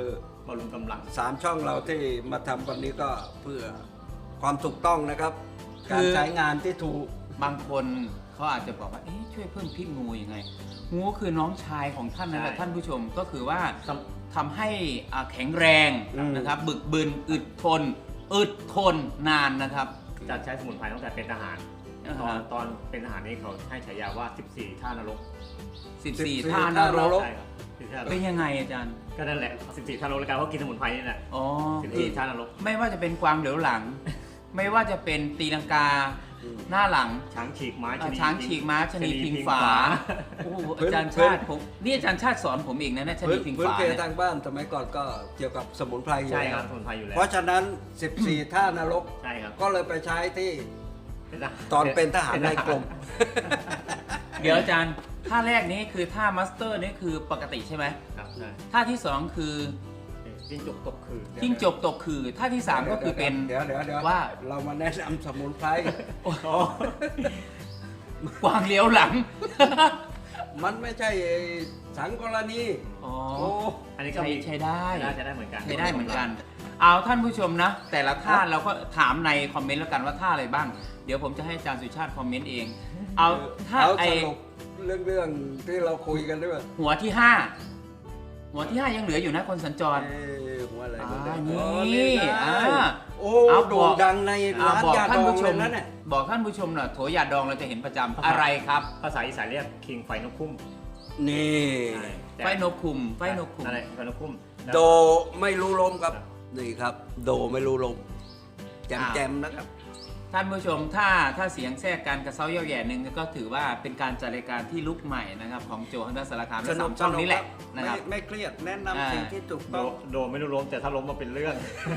[SPEAKER 3] ำรุงกำลัง
[SPEAKER 1] สามช่องเราที่มาทำวันนี้ก็เพื่อความถูกต้องนะครับ
[SPEAKER 2] คือ
[SPEAKER 1] การใช้งานที่ถูก
[SPEAKER 2] บางคนเขาอาจจะบอกว่าเอ๊ะช่วยเพิ่มพิษงูยังไง งูคือน้องชายของท่านนั่นแหละ
[SPEAKER 3] ใช่
[SPEAKER 2] ท่านผู้ชมก็คือว่า
[SPEAKER 3] ส
[SPEAKER 2] ทำให้อ่าแข็งแรง
[SPEAKER 1] อืม
[SPEAKER 2] นะครับ บึกบึนอึดทน อึดทนนานนะครับ
[SPEAKER 3] จะใช้สมุนไพรตั้งแต่เป็นทหาร
[SPEAKER 2] อ่า
[SPEAKER 3] ตอน
[SPEAKER 2] ฮะ
[SPEAKER 3] ตอนเป็นทหารนี่เขาให้ฉายาว่า สิบสี่ ท่านรก
[SPEAKER 2] สิบสี่
[SPEAKER 1] สิบสี่
[SPEAKER 2] ท่าน
[SPEAKER 1] ท่าน
[SPEAKER 2] ร
[SPEAKER 1] น
[SPEAKER 2] ก
[SPEAKER 1] รก
[SPEAKER 3] ใช่ครับสิบสี่ท่านน
[SPEAKER 2] เป็น
[SPEAKER 3] รก
[SPEAKER 2] ยังไงอาจารย์
[SPEAKER 3] ก็นั่นแหละ สิบสี่ ท่านนรกแล้วกันเพราะกินสมุนไพรนี่แหละ
[SPEAKER 2] อ๋อ
[SPEAKER 3] สิบสี่ ท่านนรก
[SPEAKER 2] ไม่ว่าจะเป็นกวางเหลียวหลัง ไม่ว่าจะเป็นตีลังกา
[SPEAKER 1] อืม
[SPEAKER 2] หน้าหลัง
[SPEAKER 3] ช้างฉีกม้า
[SPEAKER 2] อ่า
[SPEAKER 3] ชะนี
[SPEAKER 2] ช้างฉีกม้าชะนีพิงฝาโอ้โหอาจารย์ชาติผมนี่อาจารย์ชาติสอนผมเองนะเนี่ยชะ
[SPEAKER 1] พื้
[SPEAKER 2] นี
[SPEAKER 1] น
[SPEAKER 2] พิง
[SPEAKER 1] พื้น
[SPEAKER 2] ฝา
[SPEAKER 1] เพ
[SPEAKER 2] เนี่ย
[SPEAKER 1] ทางบ้านสมัยก่อนก็เกี่ยวกับสมุนไพรอยู่
[SPEAKER 3] ใช่
[SPEAKER 1] แล้
[SPEAKER 3] คว รับสมุนไพรอยู่แล้ว
[SPEAKER 1] เพราะฉะนั้น สิบสี่ ท่านรก
[SPEAKER 3] ใช่ครับ
[SPEAKER 1] ก็เลยไปใช้ที่
[SPEAKER 3] เป็นทหาร
[SPEAKER 1] ตอนเป็นทหารในกรม
[SPEAKER 2] เดี๋ยวอาจารย์ท่าแรกนี้คือท่ามาสเตอร์นี่คือปกติใช่ไหม
[SPEAKER 3] ครับใช่
[SPEAKER 2] ท่าที่สองคือ
[SPEAKER 3] จิ้งจกตกคือ
[SPEAKER 2] จิ้งจกตกคือท่าที่สามก็คือเป็น
[SPEAKER 1] เดี๋ยวเดี๋ยวเดี๋ยว
[SPEAKER 2] ว่า
[SPEAKER 1] เรามาแนะนำสมุนไพร
[SPEAKER 2] โอ้โหกวางเลี้ยวหลัง
[SPEAKER 1] มันไม่ใช่สังกรณี
[SPEAKER 2] อ๋อ
[SPEAKER 1] โอ้
[SPEAKER 3] อันนี้ก็
[SPEAKER 2] ใช้
[SPEAKER 3] มี
[SPEAKER 2] ใช้ได้
[SPEAKER 3] ใช้ได้ใช้ได้เหมือนกัน
[SPEAKER 2] ใช้ได้เหมือนกัน เอาท่านผู้ชมนะ แต่ละท่าเราก็ถามในคอมเมนต์แล้วกันว่าท่าอะไรบ้าง เดี๋ยวผมจะให้อาจารย์สุชาติคอมเมนต์เอง เอาท่า
[SPEAKER 1] เอา
[SPEAKER 2] ไอ
[SPEAKER 1] สรุปเรื่องเรื่องที่เราคุยกันด้วย
[SPEAKER 2] หัวที่ห้าหัวที่ห้ายังเหลืออยู่นะคนสัญจร
[SPEAKER 1] เอ้ยหัวอะไร
[SPEAKER 2] อ่า
[SPEAKER 1] หัวแดง
[SPEAKER 2] นี่
[SPEAKER 1] อ๋อนี่ไง
[SPEAKER 2] อ่า
[SPEAKER 1] โอ้
[SPEAKER 2] เอา
[SPEAKER 1] โด่
[SPEAKER 2] บ
[SPEAKER 1] ง
[SPEAKER 2] อก
[SPEAKER 1] ดังใน
[SPEAKER 2] อ่า
[SPEAKER 1] ร้าน
[SPEAKER 2] บอก
[SPEAKER 1] ยา
[SPEAKER 2] ท่า
[SPEAKER 1] ด
[SPEAKER 2] น
[SPEAKER 1] อง
[SPEAKER 2] ผู้ช
[SPEAKER 1] เล
[SPEAKER 2] ม
[SPEAKER 1] ยนะเนี่ย
[SPEAKER 2] บอกท่านผู้ชมหน่อยโถยาดองเราจะเห็นประจำอะไรครับ
[SPEAKER 3] ภาษาอีสานเรียกคิงไฟนกคุ้ม
[SPEAKER 1] นี่
[SPEAKER 3] ใช่แต่
[SPEAKER 2] ไฟนกคุมไฟนกคุม
[SPEAKER 3] อะไรไฟนกคุ้ม
[SPEAKER 1] โดไม่รู้ลมครับ นี่ครับ โดไม่รู้ลมแจม
[SPEAKER 2] อ่า
[SPEAKER 1] แจมนะครับ
[SPEAKER 2] ท่านผู้ชมถ้าถ้าเสียงแทรกการกระเซ้าเย่าแย่หนึ่งก็ถือว่าเป็นการจัดรายการที่ลุกใหม่นะครับของโจฮันดัสสารคามและสามช่องนี้แหละนะครับ
[SPEAKER 1] ไม่ไม่เครียดแนะ
[SPEAKER 2] อ่า
[SPEAKER 1] นำสิ่งที่ถูก
[SPEAKER 3] โด
[SPEAKER 1] ต้อง
[SPEAKER 3] โดไม่รู้ล้มแต่ถ้าล้มมาเป็นเรื่อง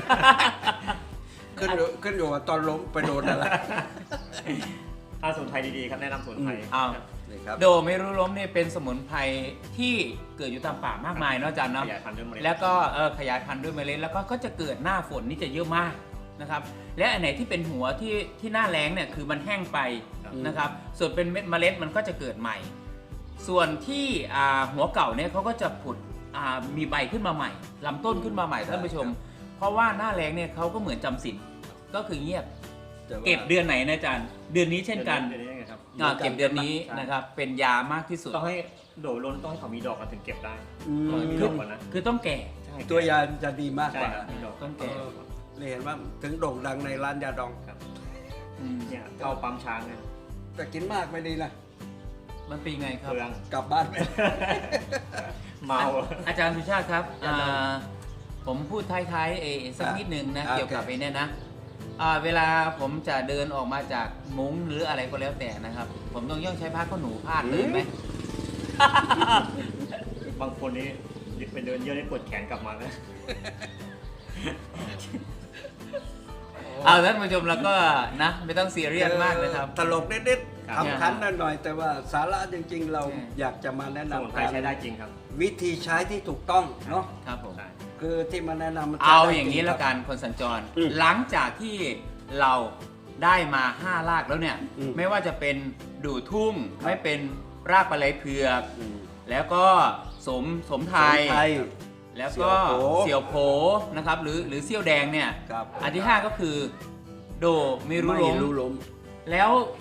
[SPEAKER 1] ขึ้นอยู่ขึ้นอยู่ว่าตอนล้มไปโดนอะไร
[SPEAKER 3] ถ้าสมุนไพรดีๆครับแนะนำสมุนไพร
[SPEAKER 2] อืมเอา
[SPEAKER 3] ครับ
[SPEAKER 1] นี่ครับ
[SPEAKER 2] โดไม่รู้ล้มเนี่ยเป็นสมุนไพรที่เกิดอยู่ตามป่ามากมายเนาะอาจารย์
[SPEAKER 3] ข
[SPEAKER 2] เนาะ
[SPEAKER 3] ยายพันธุ์ด้วยเมล็ด
[SPEAKER 2] แล้วก็เออขยายพันธุ์ด้วยเมล็ดแล้วก็ก็จะเกิดหน้าฝนนี่จะเยอะมากนะครับและอันไหนที่เป็นหัวที่ที่หน้าแล้งเนี่ยคือมันแห้งไป
[SPEAKER 3] ครับ
[SPEAKER 2] นะครับส่วนเป็นเม็ดเมล็ดมันก็จะเกิดใหม่ ส่วนที่อ่าหัวเก่าเนี่ยเขาก็จะผุดอ่ามีใบขึ้นมาใหม่ลำต้นขึ้นมาใหม่ท่านผู้ชม เพราะว่าหน้าแล้งเนี่ยเขาก็เหมือนจำศีลก็คือเงียบ
[SPEAKER 1] แต่ว่า
[SPEAKER 2] เก็บเดือนไหนนะอาจารย์เดือนนี้เช่นกัน
[SPEAKER 3] เดือนนี้ยังไงครับ
[SPEAKER 2] อ่าเก็บเดือนนี้
[SPEAKER 3] ใช่
[SPEAKER 2] นะครับเป็นยามากที่สุด
[SPEAKER 3] ต้องให้โดล้นต้องให้เขามีดอกกันถึงเก็บได้
[SPEAKER 1] อืม
[SPEAKER 3] ต้องให้มีดอกก่อนนะ
[SPEAKER 2] คือต้องแก่
[SPEAKER 3] ใช่
[SPEAKER 1] ตัวยาจะดีมาก
[SPEAKER 3] ใช่
[SPEAKER 1] กว่า
[SPEAKER 3] ครับมีดอก
[SPEAKER 2] ต้อง
[SPEAKER 1] เอ
[SPEAKER 2] แก่
[SPEAKER 1] อนี่เห็นว่าถึงโด่งดังในร้านยาดอง
[SPEAKER 3] ครับ
[SPEAKER 2] อืม
[SPEAKER 3] เนี่ยเข้าปั๊มช้างเนี่ย
[SPEAKER 1] แต่กินมากไม่ดีนะ
[SPEAKER 2] มันเป็นไงครับ
[SPEAKER 3] เปลือง
[SPEAKER 1] กลับบ้านไป
[SPEAKER 3] เมา
[SPEAKER 2] อาจารย์สุชาติครับ
[SPEAKER 1] อย่าดม
[SPEAKER 2] อ่าผมพูดท้ายๆเอสักนิดนึงนะ
[SPEAKER 1] อ่ะ
[SPEAKER 2] เกี่ยวกับ
[SPEAKER 1] โอเค
[SPEAKER 2] ไอ้เนี่ยนะอ่าเวลาผมจะเดินออกมาจากมุ้งหรืออะไรก็แล้วแต่นะครับ ผมต้องย่องใช้ผ้าขนหนูพาดเลยไหม
[SPEAKER 3] บางคนนี้ไปเดินเยอะได้ปวดแขนกลับมาแล้ว
[SPEAKER 2] เอาท่านผู้ชมแล้วก็นะไม่ต้องซีเรียสมากนะครับ
[SPEAKER 1] ตลกนิด
[SPEAKER 3] ครับ
[SPEAKER 1] ๆทำคันหน่อยๆแต่ว่าสาระจริงๆ เรา
[SPEAKER 2] ใช่
[SPEAKER 1] อยากจะมาแนะ
[SPEAKER 3] สมุน
[SPEAKER 1] นำ
[SPEAKER 3] ไพรใช้ได้จริงครับ
[SPEAKER 1] วิธีใช้ที่ถูกต้องเนาะ
[SPEAKER 2] ครับผม
[SPEAKER 3] ใช่
[SPEAKER 1] คือที่มาแนะนำมันใช้
[SPEAKER 2] เอา
[SPEAKER 1] ได้
[SPEAKER 2] อย่างนี้
[SPEAKER 1] จริ
[SPEAKER 2] แล้ว
[SPEAKER 1] ค
[SPEAKER 2] กั
[SPEAKER 1] รับ
[SPEAKER 2] นคนสัญจร
[SPEAKER 1] อืม
[SPEAKER 2] หลังจากที่เราได้มาห้ารากแล้วเนี่ย
[SPEAKER 1] อืม
[SPEAKER 2] ไม่ว่าจะเป็นดูทุ่ง
[SPEAKER 1] ครับ
[SPEAKER 2] ไม่เป็นรากปลาไหลเผือก
[SPEAKER 1] อืม
[SPEAKER 2] แล้วก็สมสมไทย
[SPEAKER 1] สมุนไพร
[SPEAKER 2] แล้วก็
[SPEAKER 1] เสี่
[SPEAKER 2] เสี่ย
[SPEAKER 1] ยว ว
[SPEAKER 2] โผ
[SPEAKER 1] โผ
[SPEAKER 2] นะครับหรือหรือเสี่ยวแดงเนี่ย
[SPEAKER 1] ครับ
[SPEAKER 2] อันที่ห้าก็คือโดไม่รู้
[SPEAKER 1] ไม่
[SPEAKER 2] ล้ม
[SPEAKER 1] รู้ล้ม
[SPEAKER 2] แล้ว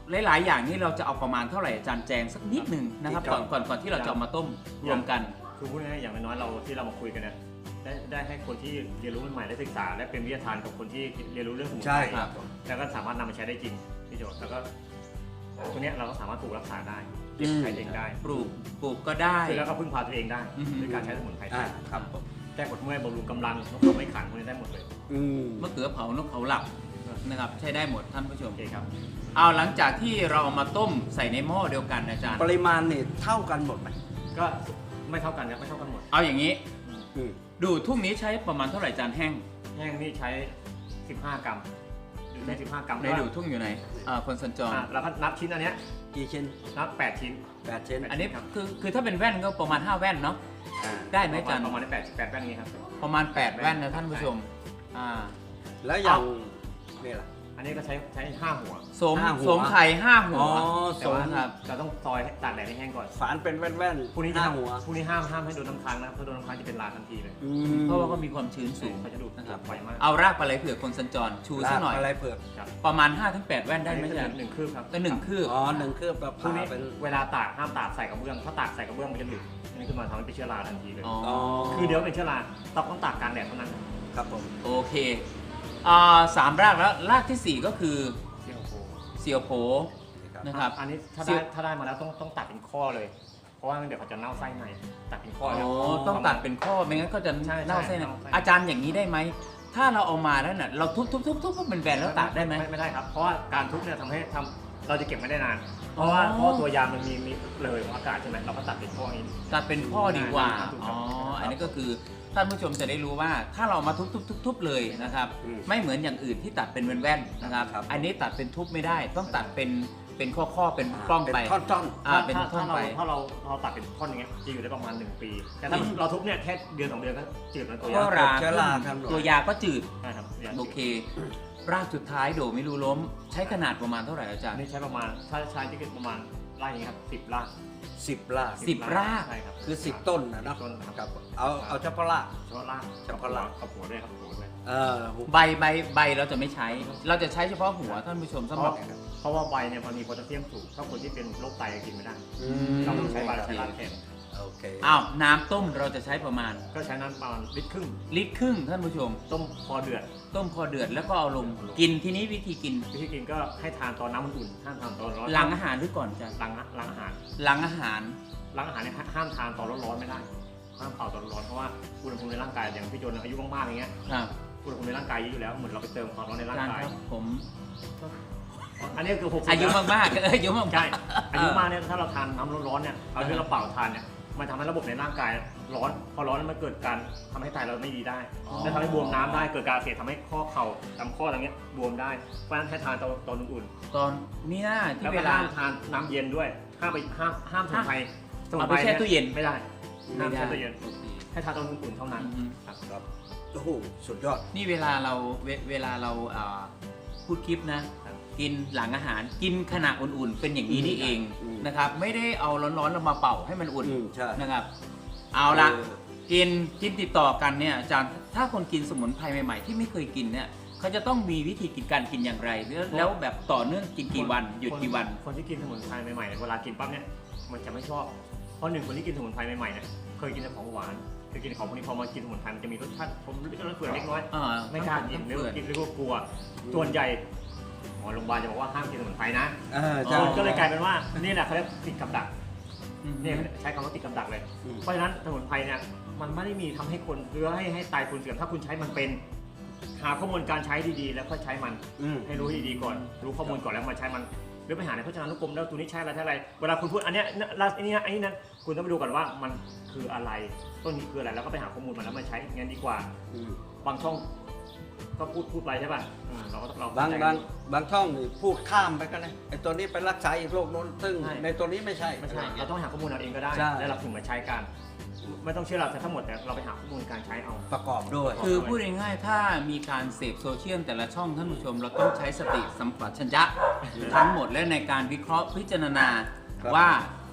[SPEAKER 2] หลาย ๆ อย่างนี้เราจะเอาประมาณเท่าไหร่อาจารย์แจงสักนิดหนึ่งนะครับก่อนก่อนก่อนที่เราจะเอามาต้มรวมกัน
[SPEAKER 3] คือพูดง่ายๆอย่างน้อยๆเราที่เรามาคุยกันเนี่ยได้ได้ให้คนที่เรียนรู้ใหม่ๆได้ศึกษาและเป็นวิทยาทานกับคนที่เรียนรู้เรื่องสมุน
[SPEAKER 1] ใช่
[SPEAKER 3] ไพร
[SPEAKER 1] ครับ
[SPEAKER 3] แล้วก็สามารถนำมาใช้ได้จริงพี่โจแล้วก็ตัวเนี้ยเราก็สามารถปลูกรักษาได้เก็บใช้เองได้
[SPEAKER 2] ปลูกปลูกก็ได้
[SPEAKER 3] คือแล้วก็พึ่งพาตัวเองได้
[SPEAKER 2] อือฮึ
[SPEAKER 3] ด้วยการใช้สมุนไพรไท
[SPEAKER 1] อ่าย ครับผม
[SPEAKER 3] แก้ปวดเมื่อยบำรุงกำลังนกเขาไม่ขันพวกนี้ได้หมดเลย
[SPEAKER 1] อืม
[SPEAKER 2] มะเขือเผานกเขาหลับนะครับใช้ได้หมดท่านผู้ช
[SPEAKER 3] โอ
[SPEAKER 2] ม
[SPEAKER 3] เคครับ
[SPEAKER 2] เอาหลังจากที่เราเอามาต้มใส่ในหม้อเดียวกันอาจารย์
[SPEAKER 1] ปริมาณนี่เท่ากันหมดไหม
[SPEAKER 3] ก็ไม่เท่ากันครับไม่เท่ากันหมด
[SPEAKER 2] เอาอย่างนี้
[SPEAKER 1] อืม
[SPEAKER 2] ดูทุ่งนี้ใช้ประมาณเท่าไหร่จานแห้ง
[SPEAKER 3] แห้งนี่ใช้ สิบห้ากรัมดูใช้สิบห้ากรัม
[SPEAKER 2] ในดูทุ่งอยู่ไหนอ่าคนสัญจร
[SPEAKER 3] อ่ะแล้วก็นับชิ้นอันเนี้ย
[SPEAKER 1] กี่ชิ้น
[SPEAKER 3] นับแปดชิ้น
[SPEAKER 1] แปดชิ้น
[SPEAKER 2] อันนี้
[SPEAKER 3] ครับ
[SPEAKER 2] คือคือถ้าเป็นแว่นก็ประมาณห้าแว่นเนาะ
[SPEAKER 1] อ่า
[SPEAKER 2] ได้ไหมอาจารย์
[SPEAKER 3] ประมาณแปดแปดแว่นนี้ครับ
[SPEAKER 2] ประมาณแปดแว่นนะท่านผู้ชมอ่า
[SPEAKER 1] แล้วอย่างนี่ล่ะ
[SPEAKER 3] อันนี้ก็ใช้ใช้ห้าหัว
[SPEAKER 2] สม
[SPEAKER 1] ห้าหัว
[SPEAKER 2] สมไข่ห้าหั
[SPEAKER 1] อ๋
[SPEAKER 2] ว
[SPEAKER 1] อ
[SPEAKER 3] แต่
[SPEAKER 1] สม
[SPEAKER 3] ว่า
[SPEAKER 2] ครับ
[SPEAKER 3] เราต้องซอยให้ตากแดดให้แห้งก่อน
[SPEAKER 1] ฝานเป็นแว่น
[SPEAKER 3] พรุ่งนี้
[SPEAKER 1] ๆ
[SPEAKER 3] จะ
[SPEAKER 1] ห้าหัว
[SPEAKER 3] พรุ่งนี้ห้ามห้ามให้โดนน้ำค้างนะครับถ้าโดนน้ำค้างจะเป็นลาทันทีเลย
[SPEAKER 1] อืม
[SPEAKER 2] เพราะว่าก็มีความชื้นสูง
[SPEAKER 3] เขาจะดูด
[SPEAKER 2] นะครับ
[SPEAKER 3] ไวมาก
[SPEAKER 2] เอารากปลาไหลเผือกคนสัญจรชูซะหน่อย
[SPEAKER 1] อะไรเผือก
[SPEAKER 3] ครับ
[SPEAKER 2] ประมาณ ห้าถึงแปด แว่นได้ไหม
[SPEAKER 3] อัน
[SPEAKER 2] อา
[SPEAKER 3] นี้
[SPEAKER 2] จารย์
[SPEAKER 3] หนึ่งคืบครับ
[SPEAKER 2] ก็หนึ่งคืบ
[SPEAKER 1] อ๋อหนึ่งเครือบแบบ
[SPEAKER 3] พรุ่ง
[SPEAKER 1] ผ่า
[SPEAKER 3] นี้
[SPEAKER 1] เป็น
[SPEAKER 3] เวลาตากห้ามตากใส่กระเบื้องถ้าตากใส่กระเบื้องมันจะหนึบอันนี้คือมันทำให้เป็นเชื้อราทันทีเลย
[SPEAKER 2] อ๋อ
[SPEAKER 1] อ๋อ
[SPEAKER 3] คือเดี๋ยวเป็นเชื้อราต้องต้องตากกลางแดดเท่านั้น
[SPEAKER 1] ครับผม
[SPEAKER 2] โอเคอ่าสามรากแล้วรากที่สี่ก็คือ
[SPEAKER 3] เซียวโค
[SPEAKER 2] เสียวโผ นะครับ
[SPEAKER 3] อันนี้ถ้า
[SPEAKER 2] เซี
[SPEAKER 3] ได้
[SPEAKER 2] ยว
[SPEAKER 3] ถ้าได้มาแล้วต้องต้องตัดเป็นข้อเลย เพราะว่าเดี๋ยวเขาจะเน่าไส้ในตัดเป็นข้อ
[SPEAKER 2] อ๋
[SPEAKER 3] เลย
[SPEAKER 2] อต้องตัดเป็นข้อไม่งั้นก็จะ
[SPEAKER 3] ใช่
[SPEAKER 2] เน่าเส้น
[SPEAKER 3] เน่าไส้
[SPEAKER 2] อาจารย์อย่างนี้ได้ไหมถ้าเราเอามาแล้วน่ะเราทุบทุบทุบทุบเป็นแบนแล้วตัดได้ไหม
[SPEAKER 3] ไม่ได้ครับ เพราะว่าการทุบเนี่ยทำให้ทำเราจะเก็บไม่ได้นาน เพราะว่า
[SPEAKER 2] อ๋อ
[SPEAKER 3] เพราะว่าตัวยางมันมีมีเลยของอากาศใช่ไหมเราก็ตัดเป็นข้อนี้
[SPEAKER 2] ตัดเป็นข้อดีกว่า
[SPEAKER 3] ได้ครับ
[SPEAKER 2] อ๋ออันนี้ก็คือท่านผู้ชมจะได้รู้ว่าถ้าเรามาทุบทุบทุบทุบเลยนะครับ
[SPEAKER 1] อืม
[SPEAKER 2] ไม่เหมือนอย่างอื่นที่ตัดเป็นแว่นๆนะครับ
[SPEAKER 1] ครับ
[SPEAKER 2] อันนี้ตัดเป็นทุบไม่ได้ ต้องตัดเป็นเป็นข้อข้อๆเป็นปล้องไป
[SPEAKER 1] เป็นท่อน
[SPEAKER 2] อ่าเป็น
[SPEAKER 3] ถ้า
[SPEAKER 2] ท่อน
[SPEAKER 3] ถ้าเรา
[SPEAKER 2] ไป
[SPEAKER 3] ถ้าเราเราตัดเป็นท่อนอย่างเงี้ยจะอยู่ได้ประมาณหนึ่งปี แต่ถ้าเราทุบเนี่ยแค่เดือนสองเดือนก็จืดแล้วตัว
[SPEAKER 1] ๆ
[SPEAKER 3] ยาง
[SPEAKER 2] ก็รา
[SPEAKER 1] เชื้อราครับหน่อย
[SPEAKER 2] ตัวยาก็จืด
[SPEAKER 3] ใช่ครับยาง
[SPEAKER 2] โอเค รากสุดท้ายโดไม่รู้ล้ม ใช้ขนาดประมาณเท่าไหร่อาจาร
[SPEAKER 3] อัน
[SPEAKER 2] ย์
[SPEAKER 3] นี้ใช้ประมาณถ้าใช้ที่เป็นประมาณไร่นี้ครับสิบไร่
[SPEAKER 1] สิบราก
[SPEAKER 2] สิบราก
[SPEAKER 3] ใช่ครับ
[SPEAKER 1] คือสิบต้นนะเนาะ
[SPEAKER 3] ต้นครับ
[SPEAKER 1] ครับเอาเอาเฉพาะราก
[SPEAKER 3] เฉพาะราก
[SPEAKER 1] เฉพาะราก
[SPEAKER 3] กับหัวด้วยครับหัวด้วย
[SPEAKER 1] เออ
[SPEAKER 2] ใบใบใบเราจะไม่ใช้ เราจะใช้เฉพาะหัวท่านผู้ชมสำหรับ
[SPEAKER 3] เพราะว่าใบเนี่ยมันมีโพแทสเซียมสูงถ้าคนที่เป็นโรคไตกินไม่ได้
[SPEAKER 1] อืม
[SPEAKER 3] เราต้องใช้ใบใช้รากแทน
[SPEAKER 1] โอเค
[SPEAKER 2] อ้าวน้ำต้มเราจะใช้ประมาณ
[SPEAKER 3] ก็ใช้น้ำประมาณลิตรครึ่ง
[SPEAKER 2] ลิตรครึ่งท่านผู้ชม
[SPEAKER 3] ต้มพอเดือด
[SPEAKER 2] ต้มพอเดือดแล้วก็เอาลงกินทีนี้วิธีกิน
[SPEAKER 3] วิธีกินก็ให้ทานตอนน้ำอุ่นๆห้ามทานตอนร้อน
[SPEAKER 2] หลังอาหารหรือก่อนอาจารย์
[SPEAKER 3] หลังหลังอาหาร
[SPEAKER 2] หลังอาหาร
[SPEAKER 3] หลังอาหารเนี่ยห้ามทานตอนร้อนๆไม่ได้ห้ามเป่าตอนร้อนเพราะว่าอุณหภูมิในร่างกายอย่างพี่โจนอายุมากๆอย่างเงี้ย
[SPEAKER 2] ครับ
[SPEAKER 3] อุณหภูมิในร่างกายเยอะอยู่แล้วเหมือนเราไปเติมความร้อนใน
[SPEAKER 2] อา
[SPEAKER 3] ร่าง
[SPEAKER 2] จารย์
[SPEAKER 3] กาย
[SPEAKER 2] ครับผม
[SPEAKER 3] อันนี้คือหกสิบ
[SPEAKER 2] อายุมากๆเอออายุมากๆ
[SPEAKER 3] ใช่อายุมากเนี่ยถ้าเราทานน้ำร้อนๆเนี่ยเอาที่เราเป่าทานเนี่ยมันทำให้ระบบในร่างกายร้อนพอร้อนแล้วมันเกิดการทำให้ไตเราไม่ดีได้
[SPEAKER 2] อ๋อ
[SPEAKER 3] และทำให้บวมน้ำได้เกิดการอักเสียทำให้ข้อเข่าลำข้ออะไรเงี้ยบวมได้เพราะฉะนั้นให้ทานตอนตอนอุ่น
[SPEAKER 2] ตอนมีหน้า
[SPEAKER 3] ๆ
[SPEAKER 2] ที่
[SPEAKER 3] แล้ว
[SPEAKER 2] เว
[SPEAKER 3] ก็
[SPEAKER 2] ลา
[SPEAKER 3] ห้ามทานน้ำเย็นด้วยห้ามไปห้ามห้ามสมุนไพรสมุน
[SPEAKER 2] เอา
[SPEAKER 3] ไพ
[SPEAKER 2] ไป
[SPEAKER 3] ร
[SPEAKER 2] แช่ตู้เย็น
[SPEAKER 3] ไม่ได้ห้าม
[SPEAKER 2] ไม่ได้
[SPEAKER 3] แช่ตู้เย็น
[SPEAKER 2] โอเค
[SPEAKER 3] ให้ทานตอนอุ่นๆเท่านั้น
[SPEAKER 2] อืม
[SPEAKER 3] ครับ
[SPEAKER 1] ครับโอ้โหสุดยอด
[SPEAKER 2] นี่เวลาเราเวเวลาเราอ่าพูดคลิปนะ
[SPEAKER 3] ครับ
[SPEAKER 2] กินหลังอาหารกินขณะอุ่นๆ เป็นอย่างนี้นี่เอง
[SPEAKER 1] อืม
[SPEAKER 2] นะครับ ไม่ได้เอาร้อนๆเรามาเป่าให้มันอุ่น
[SPEAKER 1] อืมใช่
[SPEAKER 2] นะครับ เอาละ
[SPEAKER 1] เออ
[SPEAKER 2] กินกินติดต่อกันเนี่ยอาจารย์ถ้าคนกินสมุนไพรใหม่ๆ ที่ไม่เคยกินเนี่ยเขาจะต้องมีวิธีกินการกินอย่างไรแล้วแล้วแบบต่อเนื่องกินกี่วันหยุดกี่วัน
[SPEAKER 3] คนที่กินสมุนไพรใหม่ๆเวลากินปั๊บเนี่ยมันจะไม่ชอบเพราะหนึ่งคนที่กินสมุนไพรใหม่ๆเนี่ยเคยกินแต่ของหวานเคยกินของพวกนี้พอมากินสมุนไพรมันจะมีรสชาติผมรสเปลือกเล็กน้อย
[SPEAKER 2] อ่า
[SPEAKER 3] ไม่กล้ากินหรือว่ากินหรือว่ากลัว ส่วนใหญ่หมอโรงพยาบาลจะบอกว่าห้ามกินสมุนไพรนะ
[SPEAKER 1] เออ
[SPEAKER 2] อ๋
[SPEAKER 1] ใช่
[SPEAKER 2] อ
[SPEAKER 3] คนก็เลยกลายเป็นว่านี่แหละเขาเรียกติดกับดัก
[SPEAKER 2] อืม
[SPEAKER 3] เนี่ยใช้คำว่าติดกับดักเลย
[SPEAKER 1] อืม
[SPEAKER 3] เพราะฉะนั้นสมุนไพรเนี่ยมันไม่ได้มีทำให้คนหรือให้ให้ตายคนเสื่อมถ้าคุณใช้มันเป็นหาข้อมูลการใช้ดีๆ แล้วค่อยใช้มัน
[SPEAKER 1] อืม
[SPEAKER 3] ให้รู้ให้ดีๆก่อน รู้ข้อมูลก่อนแล้วมาใช้มันหรือไปหาในพจนานุกรมแล้วตัวนี้ใช้อะไรใช้อะไรเวลาคุณพูดอันเนี้ยลาอันนี้นะอันนี้นั้นคุณต้องไปดูก่อนว่ามันคืออะไรต้นนี้คืออะไรแล้วก็ไปหาข้อมูลมันแล้วมาใช้งั้นดีกว่า
[SPEAKER 1] อืม
[SPEAKER 3] บางช่องก็พูดพูดไปใช่ป่ะอืมเราก็เรา
[SPEAKER 1] บาง
[SPEAKER 3] เข้ใจ
[SPEAKER 1] บางบางช่องนี่พูดข้ามไปก็ได้ไอ้ตัวนี้ไปรักษาอีกโรคโน้นซึ่ง
[SPEAKER 3] ใช่
[SPEAKER 1] ในตัวนี้ไม่ใช่
[SPEAKER 3] ไม่ใช่
[SPEAKER 1] อะร
[SPEAKER 3] เราต้องหาข้อมูลเอาเองก็ได้
[SPEAKER 1] ใช่
[SPEAKER 3] แล้วเราถึงมาใช้กัน ไม่ต้องเชื่อเราทั้งหมดแต่เราไปหาข้อมูลการใช้เอา
[SPEAKER 1] ประกอบด้วย
[SPEAKER 2] คือพูดง่ายๆถ้ามีการเสพโซเชียลแต่ละช่องท่านผู้ชม เราต้องใช้สติสัมปชัญญะทั้งหมดและในการวิเคราะห์พิจารณาว่า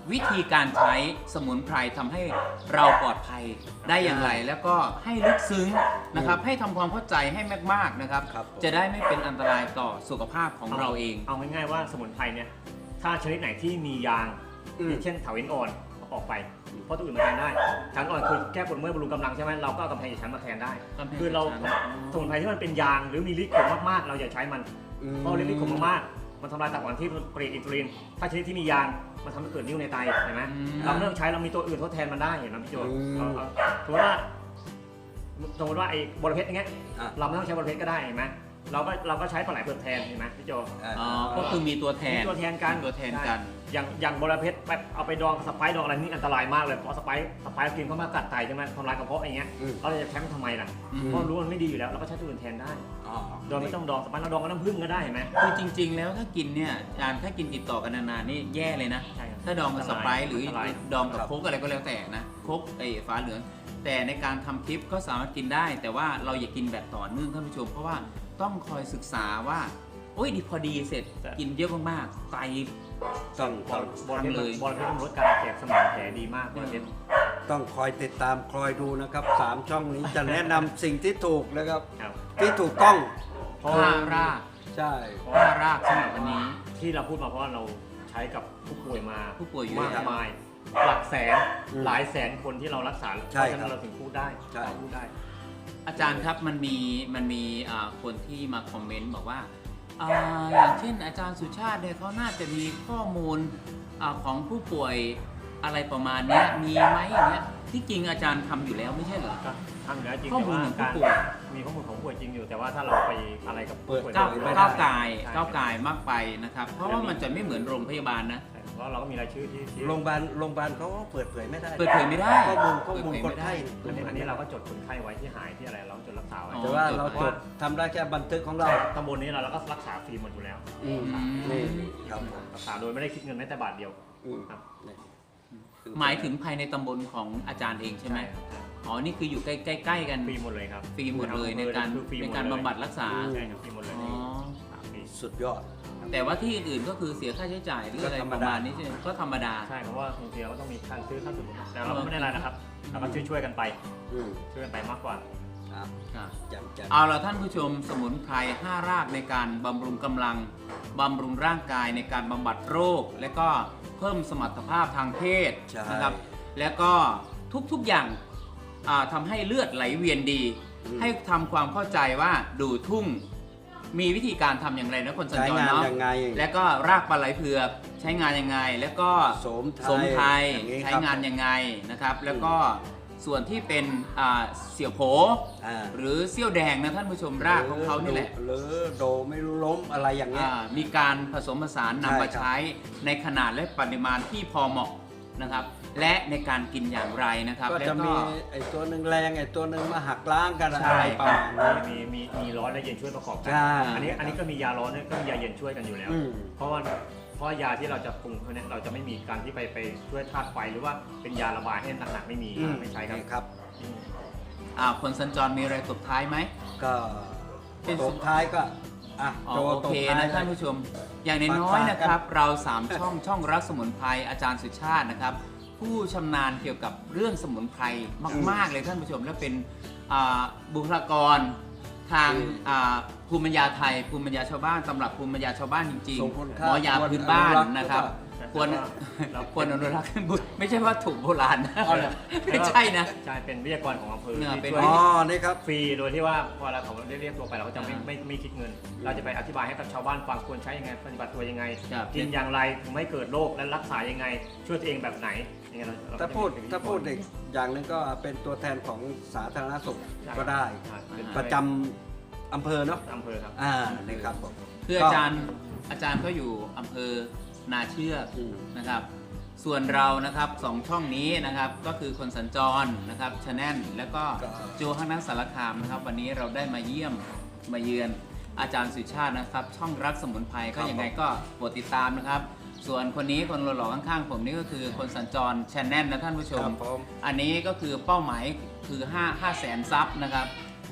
[SPEAKER 2] วิธีการใช้สมุนไพรทำให้เราปลอดภัยได้อย่างไร แล้วก็ให้ลึกซึ้งนะครับให้ทำความเข้าใจให้มากๆนะครับ
[SPEAKER 1] ครับ
[SPEAKER 2] จะได้ไม่เป็นอันตรายต่อสุขภาพของเราเอง
[SPEAKER 3] เอาง่ายๆว่าสมุนไพรเนี่ยถ้าชนิดไหนที่มียาง
[SPEAKER 1] อืม
[SPEAKER 3] เช่นเถาวัลย์อ่อนเอาออกไปเพราะตัวอื่นมาแทนได้เถาวัลย์อ่อนคือแก้ปวดเมื่อยบำรุงกำลังใช่ไหมเราก็เอากำแพงอีกชั้นมาแทนได้
[SPEAKER 2] กำแพง
[SPEAKER 3] คือเรา
[SPEAKER 2] อีกชั้น
[SPEAKER 3] สมุนไพรที่มันเป็นยางหรือมีฤทธิ์ขมมากๆ เราอย่าใช้มัน
[SPEAKER 1] อืม
[SPEAKER 3] เพราะฤทธิ์ขมมากๆมันทำลายตับอ่อนที่ผลิตอินซูลินถ้าชนิดที่มียางมันทำให้เกิดนิ่วในไตเห็นไหม
[SPEAKER 2] อืม
[SPEAKER 3] เราไม่ต้องใช้เรามีตัวอื่นทดแทนมันได้เห็นไหมพี่โจ
[SPEAKER 1] อืม
[SPEAKER 3] เอาเอาถือว่าสมมติว่าไอ้บอระเพ็ดอย่างเงี้ย
[SPEAKER 1] อ่ะ
[SPEAKER 3] เราไม่ต้องใช้บอระเพ็ดก็ได้เห็นไหมเราก็เราก็ใช้ปลาไหลเปลือกแทนเห็นไหมพี่โจ
[SPEAKER 1] อ่า
[SPEAKER 2] อ๋อก็คือมีตัวแทน
[SPEAKER 3] มีตัวแทนกัน
[SPEAKER 2] มีตัวแทนกัน
[SPEAKER 3] อย่างอย่างบอระเพ็ดแบบเอาไปดองสไปซ์ดองอะไรนี่อันตรายมากเลยเพราะสไปซ์สไปซ์กินเข้ามากัดไตใช่ไหมทำลายกระเพาะอย่างเงี้ย
[SPEAKER 1] อืม
[SPEAKER 3] เราจะแชมป์ทำไมล่ะ
[SPEAKER 2] อืม
[SPEAKER 3] เพราะรู้ว่ามันไม่ดีอยู่แล้วเราก็ใช้ตัวอื่นแทนได้
[SPEAKER 1] อ๋อ
[SPEAKER 3] โดยไม่ต้องดองสไปซ์เราดองกับน้ำผึ้งก็ได้เห็นไหม
[SPEAKER 2] คือจริง ๆ แล้วถ้ากินเนี่ยอาจารย์ถ้ากินติดต่อกันนานๆนี่แย่เลยนะ
[SPEAKER 3] ใช่ครับ
[SPEAKER 2] ถ้าดองกับสไปร์หรือ
[SPEAKER 3] อันตราย
[SPEAKER 2] ดองกับโค้กอะไรก็แล้วแต่นะโค้กไอ้ฟ้าเหลือง แต่ในการทำคลิปก็สามารถกินได้ แต่ว่าเราอย่ากินแบบต่อเนื่องท่านผู้ชม เพราะว่าต้องคอยศึกษาว่าโอ้ยดีพอดีเสร็จกินเยอะมากๆไต
[SPEAKER 1] ต้อง
[SPEAKER 3] บ
[SPEAKER 1] ต้
[SPEAKER 3] อ
[SPEAKER 1] อง
[SPEAKER 3] ลบอลเพชร
[SPEAKER 2] ทำเลย
[SPEAKER 3] บอลเพชรมันลดการอักเสบสมองแผลดีมากบอลเพชร
[SPEAKER 1] ต้องคอยติดตามคอยดูนะครับสามช่องนี้จะแนะนำสิ่งที่ถูกนะครับ
[SPEAKER 3] ครับ
[SPEAKER 1] ที่ถูกต้อง
[SPEAKER 3] เพราะ
[SPEAKER 2] ห้าราก
[SPEAKER 1] ใช่
[SPEAKER 2] ห้ารากสำหรับวันนี้
[SPEAKER 3] ที่เราพูดมาเพราะว่าเราใช้กับผู้ป่วยมา
[SPEAKER 2] ผู้ป่วยเยอะ
[SPEAKER 3] มากมาย หลักแสนหลายแสนคนที่เรารักษาเพราะฉะนั้นเราถึงพูดได้เราพูดได้
[SPEAKER 2] อาจารย์ครับมันมีมันมีอ่าคนที่มาคอมเมนต์บอกว่าอ่าอย่างเช่นอาจารย์สุชาติเนี่ยเขาน่าจะมีข้อมูลอาของผู้ป่วยอะไรประมาณเนี้ยมีไหมอย่างเงี้ยที่จริงอาจารย์ทำอยู่แล้วไม่ใช่เหรอ
[SPEAKER 3] ก็ทำอยู่แล้วจริง
[SPEAKER 2] ข้อ
[SPEAKER 3] แต่
[SPEAKER 2] มูล
[SPEAKER 3] ว่า
[SPEAKER 2] ของผู้
[SPEAKER 3] การ
[SPEAKER 2] ป่วย
[SPEAKER 3] มีข้อมูลของผู้ป่วยจริงอยู่ แต่ว่าถ้าเราไปอะไรกับผู้ป่วย
[SPEAKER 2] ก้าว
[SPEAKER 3] โดยไม่ได้
[SPEAKER 2] ก้าวไกาย
[SPEAKER 3] ใช่
[SPEAKER 2] ก้าวไกายมากไปนะครับ เพราะว่ามันจะไม่เหมือนโรงพยาบาลนะ
[SPEAKER 3] ใช่เพราะเราก็มีรายชื่อที่ที่
[SPEAKER 1] โรงพยาบาลโรงพยาบาลเขาก็เปิดเผยไม่ได้
[SPEAKER 2] เปิดเผยไม่ได้
[SPEAKER 1] ข้อมูลข้อมูล
[SPEAKER 2] เปิดเผย
[SPEAKER 1] ค
[SPEAKER 2] ไม่
[SPEAKER 1] น
[SPEAKER 2] ได้
[SPEAKER 1] ไข้
[SPEAKER 3] อันนี้อันนี้เราก็จดคนไข้ไว้ที่หายที่อะไรเราจดรักษาไว้
[SPEAKER 2] อ๋อ
[SPEAKER 1] แต่ว่าเรา
[SPEAKER 2] จด
[SPEAKER 1] จ
[SPEAKER 2] ไว้
[SPEAKER 1] ดทำได้แค่บันทึกของเรา
[SPEAKER 3] ตำบลนี้เราเราก็รักษาฟรีหมดอยู่แล้ว
[SPEAKER 1] อืม
[SPEAKER 2] อืม
[SPEAKER 1] นี่ครับผม
[SPEAKER 3] รักษาโดยไม่ได้คิดเงินแม้แต่บาทเดียว
[SPEAKER 1] อืม
[SPEAKER 3] ครับ
[SPEAKER 1] นี่คือ
[SPEAKER 2] หมายถึงภายในตำบลของอาจารย์เองใช่ไหม
[SPEAKER 3] ครับ
[SPEAKER 2] อ๋อนี่คืออยู่ใกล้ๆใกล้ๆกัน
[SPEAKER 3] ฟรีหมดเลยครับ
[SPEAKER 2] ฟรีหมดเลยในการ
[SPEAKER 3] คือฟรีห
[SPEAKER 2] ใน
[SPEAKER 3] มด
[SPEAKER 2] การ
[SPEAKER 3] เลย
[SPEAKER 2] บำบัดรักษา
[SPEAKER 3] ใช่ครับฟรีหมดเลย
[SPEAKER 2] อ๋อ
[SPEAKER 3] ฟรี
[SPEAKER 1] สุดยอด
[SPEAKER 2] แต่ว่าที่อื่นๆก็คือเสียค่าใช้จ่ายหรืออะไร
[SPEAKER 1] ก็ธรร
[SPEAKER 2] ป
[SPEAKER 1] ม
[SPEAKER 2] ระ
[SPEAKER 1] ดา
[SPEAKER 2] มาณนี้ใช่ไหมก็ธรรมดา
[SPEAKER 3] ใช่เพราะว่าบางทีเราก็ต้องมีค่าซื้อค่าสมุนแต่เราก็ไม่ได้อะไรนะครับเราก็ช่วยช่วยๆกันไป
[SPEAKER 1] อืม
[SPEAKER 3] ช่วยกันไปมากกว่า
[SPEAKER 1] ครับ
[SPEAKER 2] ครับ
[SPEAKER 1] จำจำ
[SPEAKER 2] เอาละท่านผู้ชมสมุนไพรห้ารากในการบำรุงกำลังบำรุงร่างกายในการบำบัดโรค และก็เพิ่มสมรรถภาพทางเพศ
[SPEAKER 1] ใช่
[SPEAKER 2] นะครับ แล้วก็ทุกๆอย่างอ่าทำให้เลือดไหลเวียนดี
[SPEAKER 1] อืม
[SPEAKER 2] ให้ทำความเข้าใจว่าดูทุ่งมีวิธีการทำอย่างไรนะคนสัญ
[SPEAKER 1] ใช้
[SPEAKER 2] จรง
[SPEAKER 1] าน
[SPEAKER 2] เนาะ
[SPEAKER 1] ยังไง
[SPEAKER 2] แล้วก็รากปลาไหลเผือกใช้งานยังไง แล้วก็
[SPEAKER 1] โสมไทย
[SPEAKER 2] สมไทย
[SPEAKER 1] อย่างนี้ครับ
[SPEAKER 2] ใช้งานยังไงนะครับ แล้วก็ส่วนที่เป็นอ่าเสี่ยวโผ
[SPEAKER 1] อ่า
[SPEAKER 2] หรือเซี่ยวแดงนะท่านผู้ชมรากของเขานี่แหละ
[SPEAKER 1] หรือโดไม่รู้ล้มอะไรอย่างเงี้ย
[SPEAKER 2] อ่ามีการผสมผสาน
[SPEAKER 1] ใช่
[SPEAKER 2] นำมา
[SPEAKER 1] ครับ
[SPEAKER 2] ใช้ในขนาดและปริมาณที่พอเหมาะนะครับ และในการกินอย่างไรนะครับ
[SPEAKER 1] ก็
[SPEAKER 2] แล้ว
[SPEAKER 1] จะ
[SPEAKER 2] ก็
[SPEAKER 1] มีไอ้ตัวหนึ่งแรงไอ้ตัวหนึ่งมาหักล้างกัน
[SPEAKER 2] ใช่
[SPEAKER 1] อะไรประมาณนี้
[SPEAKER 3] มีมีมีร้อนและเย็นช่วยประกอบกั
[SPEAKER 1] ใช่
[SPEAKER 3] อันนี้อันนี้ก็มียาร้อนด้วยก็มียาเย็นช่วยกันอยู่แล้ว
[SPEAKER 1] อืม
[SPEAKER 3] เพราะว่าเพราะยาที่เราจะปรุงเขาเนี่ยเราจะไม่มีการที่ไปไปช่วยธาตุไฟหรือว่าเป็นยาระบายให้หนักๆไม่มี
[SPEAKER 1] อืม
[SPEAKER 3] ไม่ใช่ครับ
[SPEAKER 1] นี่ครับ
[SPEAKER 3] อืม
[SPEAKER 2] อ่าคนสัญจรมีอะไรตบท้ายไหม
[SPEAKER 1] ก็
[SPEAKER 2] เป็น
[SPEAKER 1] ตบท้ายก็อ่ะ
[SPEAKER 2] อ๋อ
[SPEAKER 1] โจ
[SPEAKER 2] โอ
[SPEAKER 1] ตบ
[SPEAKER 2] เค
[SPEAKER 1] ท้าย
[SPEAKER 2] นะท่านผู้ชม อย่างน้อยๆนะครับ เรา สาม ช่องช่องรักสมุนไพรอาจารย์สุชาตินะครับ ผู้ชำนาญเกี่ยวกับเรื่องสมุนไพรมาก ๆ เลยท่านผู้ชมและเป็นอ่าบุคลากรทางอ่าภูมิปัญญาไทยภูมิปัญญาชาวบ้านตำรับภูมิปัญญาชาวบ้านจริง
[SPEAKER 1] ทรงคุณ
[SPEAKER 2] ๆ
[SPEAKER 1] ค่า
[SPEAKER 2] หมอยาพื้นบ้านนะครับ ควร
[SPEAKER 3] เรา
[SPEAKER 2] ควรอนุรักษ์บุตรไม่ใช่ว่าถูกโบราณนะ
[SPEAKER 3] เอาเลย
[SPEAKER 2] ไม่ใช่นะ
[SPEAKER 3] ใช่เป็นวิทยากรของอำเภอ
[SPEAKER 2] เนี่ย
[SPEAKER 3] ที่
[SPEAKER 2] เป็น
[SPEAKER 3] ช่วย
[SPEAKER 1] อ๋อ นี่ครับ
[SPEAKER 3] ฟรีโดยที่ว่าพอเราเขาเรียกตัวไปเราก็จะไม่
[SPEAKER 2] อ่า
[SPEAKER 3] ไม่ไม่คิดเงิน เราจะไปอธิบายให้กับชาวบ้านฟังควรใช้ยังไงปฏิบัติตัวยังไง
[SPEAKER 2] ครับ
[SPEAKER 3] กินอย่างไรถึงไม่เกิดโรคและรักษายังไง ช่วยตัวเองแบบไหนอย่างเงี้ยเรเรก็
[SPEAKER 1] ถ้า
[SPEAKER 3] จะ
[SPEAKER 1] พูด
[SPEAKER 3] มี
[SPEAKER 1] ถ้าพูดอีกอย่างหนึ่งก็เป็นตัวแทนของสาธารณสุขก็ได้
[SPEAKER 3] ใช่เป็น
[SPEAKER 1] ประจำอำเภอเนาะ
[SPEAKER 3] อำเภอครับ
[SPEAKER 1] อ่า นี่ครับผม
[SPEAKER 2] คืออาจารย์อาจารย์ก็อยู่อำเภอนาเชือก
[SPEAKER 1] อืม
[SPEAKER 2] นะครับ ส่วนเรานะครับสองช่องนี้นะครับก็คือคนสัญจรนะครับชาแนลแล้วก็
[SPEAKER 1] ก็
[SPEAKER 2] โจฮังนักสารคามนะครับ วันนี้เราได้มาเยี่ยมมาเยือนอาจารย์สุชาตินะครับ ช่องรักสมุนไพรก็ยังไงก็โปรดติดตามนะครับ ส่วนคนนี้คนหล่อๆข้างๆผมนี่ก็คือคนสัญจรชาแนลนะท่านผู้ช
[SPEAKER 1] ค
[SPEAKER 2] ม
[SPEAKER 1] รับผม
[SPEAKER 2] อันนี้ก็คือเป้าหมายคือ5 5แสนซับนะครับ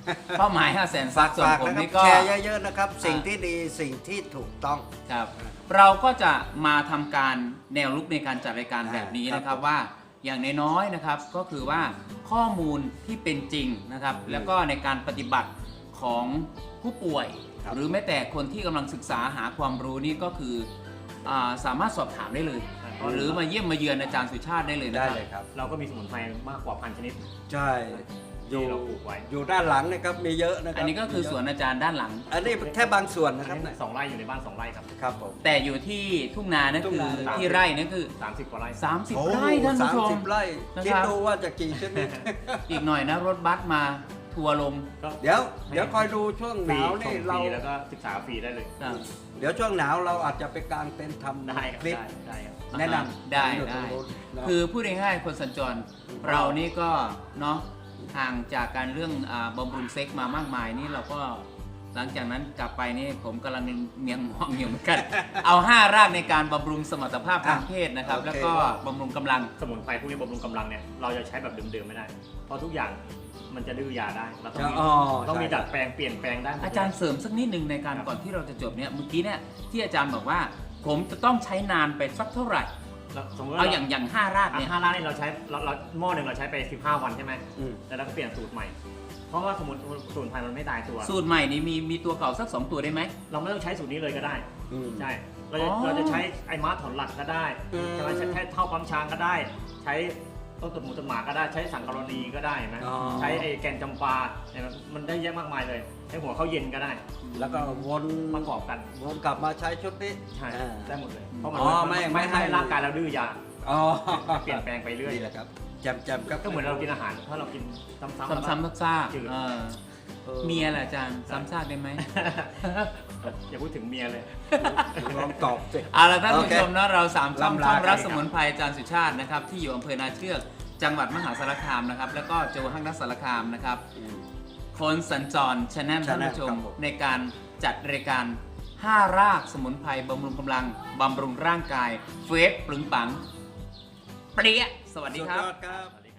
[SPEAKER 2] เป้าหมายห้าแสนซั
[SPEAKER 1] ฝาก
[SPEAKER 2] บส่วน
[SPEAKER 1] ฝาก
[SPEAKER 2] ผม
[SPEAKER 1] นะครั
[SPEAKER 2] นี่
[SPEAKER 1] บ
[SPEAKER 2] ก็
[SPEAKER 1] แชร์เยอะๆนะครับ สิ่งที่ดีสิ่งที่ถูกต้อง
[SPEAKER 2] ครับเราก็จะมาทำการแนวลุกในการจัดรายการ
[SPEAKER 1] อ่า
[SPEAKER 2] แบบนี้นะค
[SPEAKER 1] ครั
[SPEAKER 2] รับบ ว่าอย่างน้อยๆนะครับก็คือว่าข้อมูลที่เป็นจริงนะครับ
[SPEAKER 1] อืม
[SPEAKER 2] แล้วก็ในการปฏิบัติของผู้ป่วย
[SPEAKER 1] ครับ
[SPEAKER 2] หรือแม้แต่คนที่กำลังศึกษาหาความรู้นี่ก็คืออาสามารถสอบถามได้เลย หรือมาเยี่ยมมาเยือนอาจารย์สุชาติได้เลยนะ
[SPEAKER 1] ได้
[SPEAKER 2] ครับ
[SPEAKER 1] เลยครับ
[SPEAKER 3] เราก็มีสมุนไพรมากกว่าพันชนิด
[SPEAKER 1] ใช่อยู่
[SPEAKER 3] ที่เราปลูกไว้
[SPEAKER 1] อยู่ด้านหลังนะครับมีเยอะนะครับ
[SPEAKER 2] อันนี้ก็คือสวนอาจารย์ด้านหลัง
[SPEAKER 1] อันนี้แค่บางส่วนนะครับ
[SPEAKER 3] อั
[SPEAKER 1] เนี่ย
[SPEAKER 3] สองไร่อยู่ในบ้านสองไร่ครับ
[SPEAKER 1] ครับผม
[SPEAKER 2] แต่อยู่ที่ทุ่งนานั่น
[SPEAKER 1] ทุ่ง
[SPEAKER 2] คือ
[SPEAKER 1] นา
[SPEAKER 2] ที่ไร่นั่นคือ
[SPEAKER 3] สามสิบกว่าไร่
[SPEAKER 2] 30
[SPEAKER 1] โอ้
[SPEAKER 2] ไร่ท่านผู้ช
[SPEAKER 1] สาม
[SPEAKER 2] ม
[SPEAKER 1] สิบไร่
[SPEAKER 2] นะครับ
[SPEAKER 1] คิดดูว่าจะกี่ชนิด
[SPEAKER 2] อีกหน่อยนะรถบัสมาทัวร์ลง
[SPEAKER 3] ก็
[SPEAKER 1] เดี๋ยวเดี๋ยวคอยดูช่วง
[SPEAKER 3] ฟ
[SPEAKER 1] ห
[SPEAKER 3] รี
[SPEAKER 1] นาว
[SPEAKER 3] ช
[SPEAKER 1] นี่
[SPEAKER 3] มฟ
[SPEAKER 1] เรา
[SPEAKER 3] รีแล้วก็ศึกษาฟรีได้เลย
[SPEAKER 2] ครับ
[SPEAKER 1] เดี๋ยวช่วงหนาวเราอาจจะไปกางเต็นท์ทำ
[SPEAKER 3] ได้ครับ
[SPEAKER 1] คลิป
[SPEAKER 3] ได้ได้ครับ
[SPEAKER 1] แนะนำ
[SPEAKER 2] ได้
[SPEAKER 1] อยู่ตร
[SPEAKER 2] ได้
[SPEAKER 1] งนู้นเนอะ
[SPEAKER 2] คือพูดง่ายๆคนสัญจร เรานี่ก็เนาะห่างจากการเรื่องอาบำรุงเซ็กมามากมายนี่เราก็หลังจากนั้นกลับไปนี่ผมกำลังเมียงมองอยู่เหมือน กัน เอาห้ารากในการบำรุงสมรรถภาพทางเพศนะครับ
[SPEAKER 1] โอเค
[SPEAKER 2] แล้วก็บำรุงกำลัง
[SPEAKER 3] สมุนไพรพวกนี้บำรุงกำลังเนี่ยเราจะใช้แบบเดิมๆไม่ได้ เพราะทุกอย่างมันจะดื้อยาได้เราต้องมี
[SPEAKER 1] อ๋อ
[SPEAKER 3] ต้องมี
[SPEAKER 1] ใช่
[SPEAKER 3] ดัดแปลงเปลี่ยนแปลงได้หมด
[SPEAKER 2] อาจารย์เสริมสักนิดหนึ่งในการก่อนที่เราจะจบเนี่ยเมื่อกี้เนี่ยที่อาจารย์บอกว่า ผมจะต้องใช้นานไปสักเท่าไหร่
[SPEAKER 3] เราสมมติ
[SPEAKER 2] เอา
[SPEAKER 3] ว่า
[SPEAKER 2] อย่างอย่างห้าราก
[SPEAKER 3] อ่ะ
[SPEAKER 2] เนี่ย
[SPEAKER 3] ห้าล้านนี่เราใช้เราเราหม้อหนึ่งเราใช้ไปสิบห้าวันใช่ไหม
[SPEAKER 1] อืม
[SPEAKER 3] แล้วเราก็เปลี่ยนสูตรใหม่ เพราะว่าสมุนสมุนไพรมันไม่ตายตัว
[SPEAKER 2] สูตรใหม่นี้มีมีตัวเก่าสักสองตัวได้ไหม
[SPEAKER 3] เราไม่ต้องใช้สูตรนี้เลยก็ได้
[SPEAKER 1] อืม
[SPEAKER 3] ใช่ เราจะ
[SPEAKER 2] อ๋อ
[SPEAKER 3] เราจะใช้ไอ้ม้าถอนหลักก็ได้
[SPEAKER 1] อืม
[SPEAKER 3] ใช่ไหมใช้ใช้เท่าปั๊มช้างก็ได้ ใช้ต้นตุ่นหมูตุ่นหมาก็ได้ ใช้สังกะรณีก็ได้เห็นไหม
[SPEAKER 1] อ๋อ
[SPEAKER 3] ใช้ไอ้แกนจำปาเห็นไหมมันได้เยอะมากมายเลย ใช้หัวข้าวเย็นก็ได้
[SPEAKER 1] แล้วก็วน
[SPEAKER 3] ประกอบกัน
[SPEAKER 1] วนกลับมาใช้ชุดนี้
[SPEAKER 3] ใช่
[SPEAKER 1] อ่า
[SPEAKER 3] ได้หมดเลย เพราะมัน
[SPEAKER 1] อ๋อไม่
[SPEAKER 3] ไม่
[SPEAKER 1] ไม่
[SPEAKER 3] ไม่
[SPEAKER 1] ให้
[SPEAKER 3] ให้ร่างกายเราดื้อยา
[SPEAKER 1] อ๋อ
[SPEAKER 3] เปลี่ยนแปลงไปเรื่อย
[SPEAKER 1] นี่แหละครับแจมแจมครับ
[SPEAKER 3] ก็เหมือนเรากินอาหาร ถ้าเรากินซ้ำๆแล้ว
[SPEAKER 2] ซ้ำๆซาก
[SPEAKER 3] จืด
[SPEAKER 2] ๆเออ
[SPEAKER 1] ออ
[SPEAKER 2] เมียแหละอาจารย์ซ้ำซากได้ไหม
[SPEAKER 3] อย่าพูดถึงเมียเลย
[SPEAKER 1] ลองตอบสิ
[SPEAKER 2] เอาละท่านผู้
[SPEAKER 1] โอเค
[SPEAKER 2] ชมนะเราสามช่อง
[SPEAKER 1] ลำลา
[SPEAKER 2] ช่องรัก
[SPEAKER 1] กัน
[SPEAKER 2] สมุนไพรอาจารย์สุชาตินะครับที่อยู่อำเภอนาเชือกจังหวัดมหาสารคามนะครับแล้วก็โจฮังนักสารคามนะครับ
[SPEAKER 1] อืม
[SPEAKER 2] คนสัญจรชแนลท่าน
[SPEAKER 1] Channel
[SPEAKER 2] ผู้ชม
[SPEAKER 1] ครับผม
[SPEAKER 2] ในการจัดรายการห้ารากสมุนไพรบำรุงกำลังบำรุงร่างกายเฟสปรึงปังเปรี้ยสวัสดี
[SPEAKER 1] สุด
[SPEAKER 2] ครั
[SPEAKER 1] ย
[SPEAKER 2] บ
[SPEAKER 1] อดครับ
[SPEAKER 3] สวัสดี